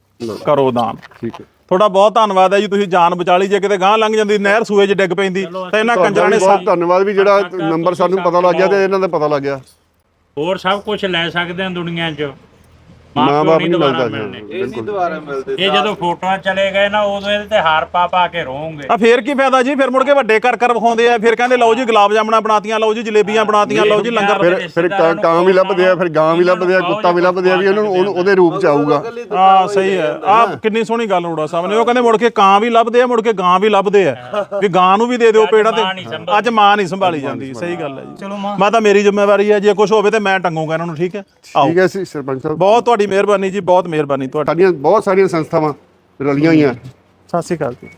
Speaker 3: ਕਰੋ ਦਾਨ।
Speaker 2: ਠੀਕ ਹੈ,
Speaker 3: ਤੁਹਾਡਾ ਬਹੁਤ ਧੰਨਵਾਦ ਹੈ ਜੀ, ਤੁਸੀਂ ਜਾਨ ਬਚਾ ਲਈ। ਜੇ ਕਿਤੇ ਗਾਂ ਲੰਘ ਜਾਂਦੀ, ਨਹਿਰ ਸੂਏ 'ਚ ਡਿੱਗ ਪੈਂਦੀ ਤਾਂ ਇਹਨਾਂ ਕੰਜਰਾਂ
Speaker 2: ਤੁਹਾਡਾ
Speaker 3: ਨੇ
Speaker 2: ਵੀ ਬਹੁਤ ਧੰਨਵਾਦ ਵੀ ਜਿਹੜਾ ਨੰਬਰ ਸਾਨੂੰ ਪਤਾ ਲੱਗ ਗਿਆ ਤੇ ਇਹਨਾਂ ਦਾ ਪਤਾ ਲੱਗ ਗਿਆ।
Speaker 1: ਹੋਰ ਸਭ ਕੁਝ ਲੈ ਸਕਦੇ ਆ ਦੁਨੀਆ 'ਚ,
Speaker 2: ਮਾਂ
Speaker 1: ਮਾਂ
Speaker 2: ਬਾਪ
Speaker 1: ਪਿਓ ਨਹੀਂ
Speaker 2: ਨਹੀਂ
Speaker 1: ਦੁਬਾਰਾ
Speaker 2: ਮਿਲਦਾ
Speaker 1: ਮਿਲਣੇ।
Speaker 2: ਜੀ,
Speaker 9: ਇਹ ਨਹੀਂ ਦੁਬਾਰਾ ਮਿਲਦੇ।
Speaker 1: ਇਹ ਜਦੋਂ ਫੋਟੋਆਂ ਚਲੇ ਗਏ ਨਾ, ਉਦੋਂ ਇਹਦੇ ਤੇ ਹਾਰ ਪਾ ਪਾ ਕੇ ਰੋਵਾਂਗੇ।
Speaker 3: ਆ ਫੇਰ ਕੀ ਫਾਇਦਾ ਜੀ? ਫਿਰ ਮੁੜ ਕੇ ਵੱਡੇ ਕਰ ਕਰ ਵਿਖਾਉਂਦੇ ਆ, ਫਿਰ ਕਹਿੰਦੇ ਲਓ ਜੀ ਗੁਲਾਬ ਜਾਮਣਾ ਬਣਾਤੀਆਂ, ਲਓ ਜੀ ਜਲੇਬੀਆਂ ਬਣਾਤੀਆਂ, ਲਓ ਜੀ ਲੰਗਰ।
Speaker 2: ਫਿਰ ਫਿਰ ਕਾਂ ਕਾਂ ਵੀ ਲੱਭਦੇ ਆ, ਫਿਰ ਗਾਂ ਵੀ ਲੱਭਦੇ ਆ, ਕੁੱਤਾ ਵੀ ਲੱਭਦੇ ਆ ਵੀ ਉਹਨਾਂ ਨੂੰ ਉਹਨੂੰ- ਉਹਦੇ ਰੂਪ 'ਚ ਆਊਗਾ।
Speaker 3: ਹਾਂ ਸਹੀ ਹੈ। ਆ ਕਿੰਨੀ ਸੋਹਣੀ ਗੱਲ ਰੋੜਾ ਸਾਹਿਬ ਨੇ, ਉਹ ਕਹਿੰਦੇ ਮੁੜ ਕੇ ਕਾਂ ਵੀ ਲੱਭਦੇ ਆ, ਮੁੜ ਕੇ ਗਾਂ ਵੀ ਲੱਭਦੇ ਆ, ਵੀ ਗਾਂ ਨੂੰ ਵੀ ਦੇ ਦਿਓ ਪੇੜਾ ਤੇ। ਅੱਜ ਮਾਂ ਨਹੀਂ ਸੰਭਾਲੀ ਜਾਂਦੀ, ਸਹੀ ਗੱਲ ਹੈ ਜੀ।
Speaker 7: ਚਲੋ ਮਾਂ।
Speaker 3: ਮੈਂ ਤਾਂ ਮੇਰੀ ਜ਼ਿੰਮੇਵਾਰੀ ਹੈ, ਜੇ ਕੁਝ ਹੋਵੇ ਤੇ ਮੈਂ ਟੰਗੂਗਾ ਇਹਨਾਂ ਨੂੰ, ਠੀਕ ਹੈ। ਆਓ,
Speaker 2: ਠੀਕ ਹੈ ਜੀ ਸਰਪੰਚ ਸਾਹਿਬ,
Speaker 3: ਬਹੁਤ ਤੁਹਾਡੀ ਮਿਹਰਬਾਨੀ ਜੀ, ਬਹੁਤ ਮਿਹਰਬਾਨੀ ਤੁਹਾਡੀ।
Speaker 2: ਸਾਡੀਆਂ ਬਹੁਤ ਸਾਰੀਆਂ ਸੰਸਥਾਵਾਂ ਰਲੀਆਂ ਹੋਈਆਂ।
Speaker 3: ਸਤਿ ਸ਼੍ਰੀ ਅਕਾਲ ਜੀ।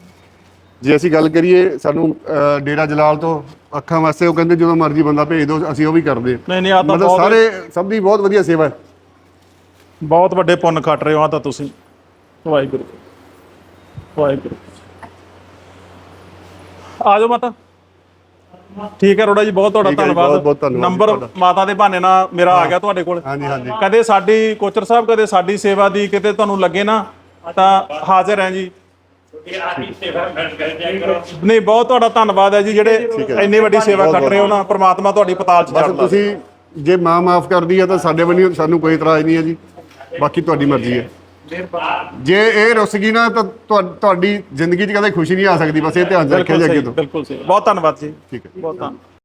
Speaker 2: ਜੇ ਅਸੀਂ ਗੱਲ ਕਰੀਏ, ਸਾਨੂੰ ਅਹ, ਡੇਰਾ ਜਲਾਲ ਤੋਂ ਅੱਖਾਂ ਵਾਸਤੇ ਉਹ ਕਹਿੰਦੇ ਜਦੋਂ ਮਰਜ਼ੀ ਬੰਦਾ ਭੇਜ ਦਿਓ, ਅਸੀਂ ਉਹ ਵੀ ਕਰਦੇ ਹਾਂ।
Speaker 3: ਨਹੀਂ ਨਹੀਂ ਆ ਤਾਂ
Speaker 2: ਮਤਲਬ
Speaker 3: ਬਹੁਤ
Speaker 2: ਸਾਰੇ ਸਭ ਦੀ ਬਹੁਤ ਵਧੀਆ ਸੇਵਾ ਹੈ।
Speaker 3: ਬਹੁਤ ਵੱਡੇ ਪੁੰਨ ਖੱਟ ਰਹੇ ਹੋ ਆ ਤਾਂ ਤੁਸੀਂ। ਵਾਹਿਗੁਰੂ ਵਾਹਿਗੁਰੂ। ਆ ਜਾਓ ਮਾਤਾ। ਠੀਕ ਹੈ ਰੋੜਾ ਜੀ, ਬਹੁਤ ਤੁਹਾਡਾ
Speaker 2: ਠੀਕ ਹੈ ਜੀ,
Speaker 3: ਧੰਨਵਾਦ।
Speaker 2: ਬਹੁਤ- ਬਹੁਤ ਧੰਨਵਾਦ ਜੀ
Speaker 3: ਨੰਬਰ
Speaker 2: ਤੁਹਾਡਾ।
Speaker 3: ਮਾਤਾ ਦੇ ਬਹਾਨੇ ਨਾਲ ਮੇਰਾ ਆ ਗਿਆ ਤੁਹਾਡੇ ਕੋਲ।
Speaker 2: ਹਾਂਜੀ ਹਾਂਜੀ
Speaker 3: ਕਦੇ ਸਾਡੀ ਕੋਚਰ ਸਾਹਿਬ, ਕਦੇ ਸਾਡੀ ਸੇਵਾ ਦੀ ਕਿਤੇ ਤੁਹਾਨੂੰ ਲੱਗੇ ਨਾ, ਤਾਂ ਹਾਜ਼ਰ ਹੈ ਜੀ। ਨਹੀਂ ਬਹੁਤ ਤੁਹਾਡਾ ਧੰਨਵਾਦ ਹੈ ਜੀ, ਜਿਹੜੇ ਇੰਨੀ ਵੱਡੀ ਸੇਵਾ ਕਰ ਰਹੇ ਹੋ ਨਾ। ਪ੍ਰਮਾਤਮਾ ਤੁਹਾਡੀ ਪਤਾਲ ਚ
Speaker 2: ਬਸ
Speaker 3: ਚੜ੍ਹਦਾ।
Speaker 2: ਤੁਸੀਂ ਜੇ ਮਾਂ ਮਾਫ ਕਰਦੀ ਹੈ ਤਾਂ ਸਾਡੇ ਵੱਲੋਂ ਸਾਨੂੰ ਕੋਈ ਇਤਰਾਜ਼ ਨਹੀਂ ਹੈ ਜੀ, ਬਾਕੀ ਤੁਹਾਡੀ ਮਰਜ਼ੀ ਹੈ। ਜੇ ਇਹ ਰੁੱਸ ਗਈ ਨਾ ਤਾਂ ਤੁਹਾ- ਤੁਹਾਡੀ ਜ਼ਿੰਦਗੀ 'ਚ ਕਦੇ ਖੁਸ਼ੀ ਨਹੀਂ ਆ ਸਕਦੀ। ਬਸ ਇਹ ਧਿਆਨ 'ਚ ਰੱਖਿਆ ਜੀ ਅੱਗੇ ਤੋਂ।
Speaker 3: ਬਿਲਕੁਲ ਸਹੀ। ਬਹੁਤ ਧੰਨਵਾਦ ਜੀ।
Speaker 2: ਠੀਕ ਹੈ।
Speaker 3: ਬਹੁਤ ਧੰਨਵਾਦ।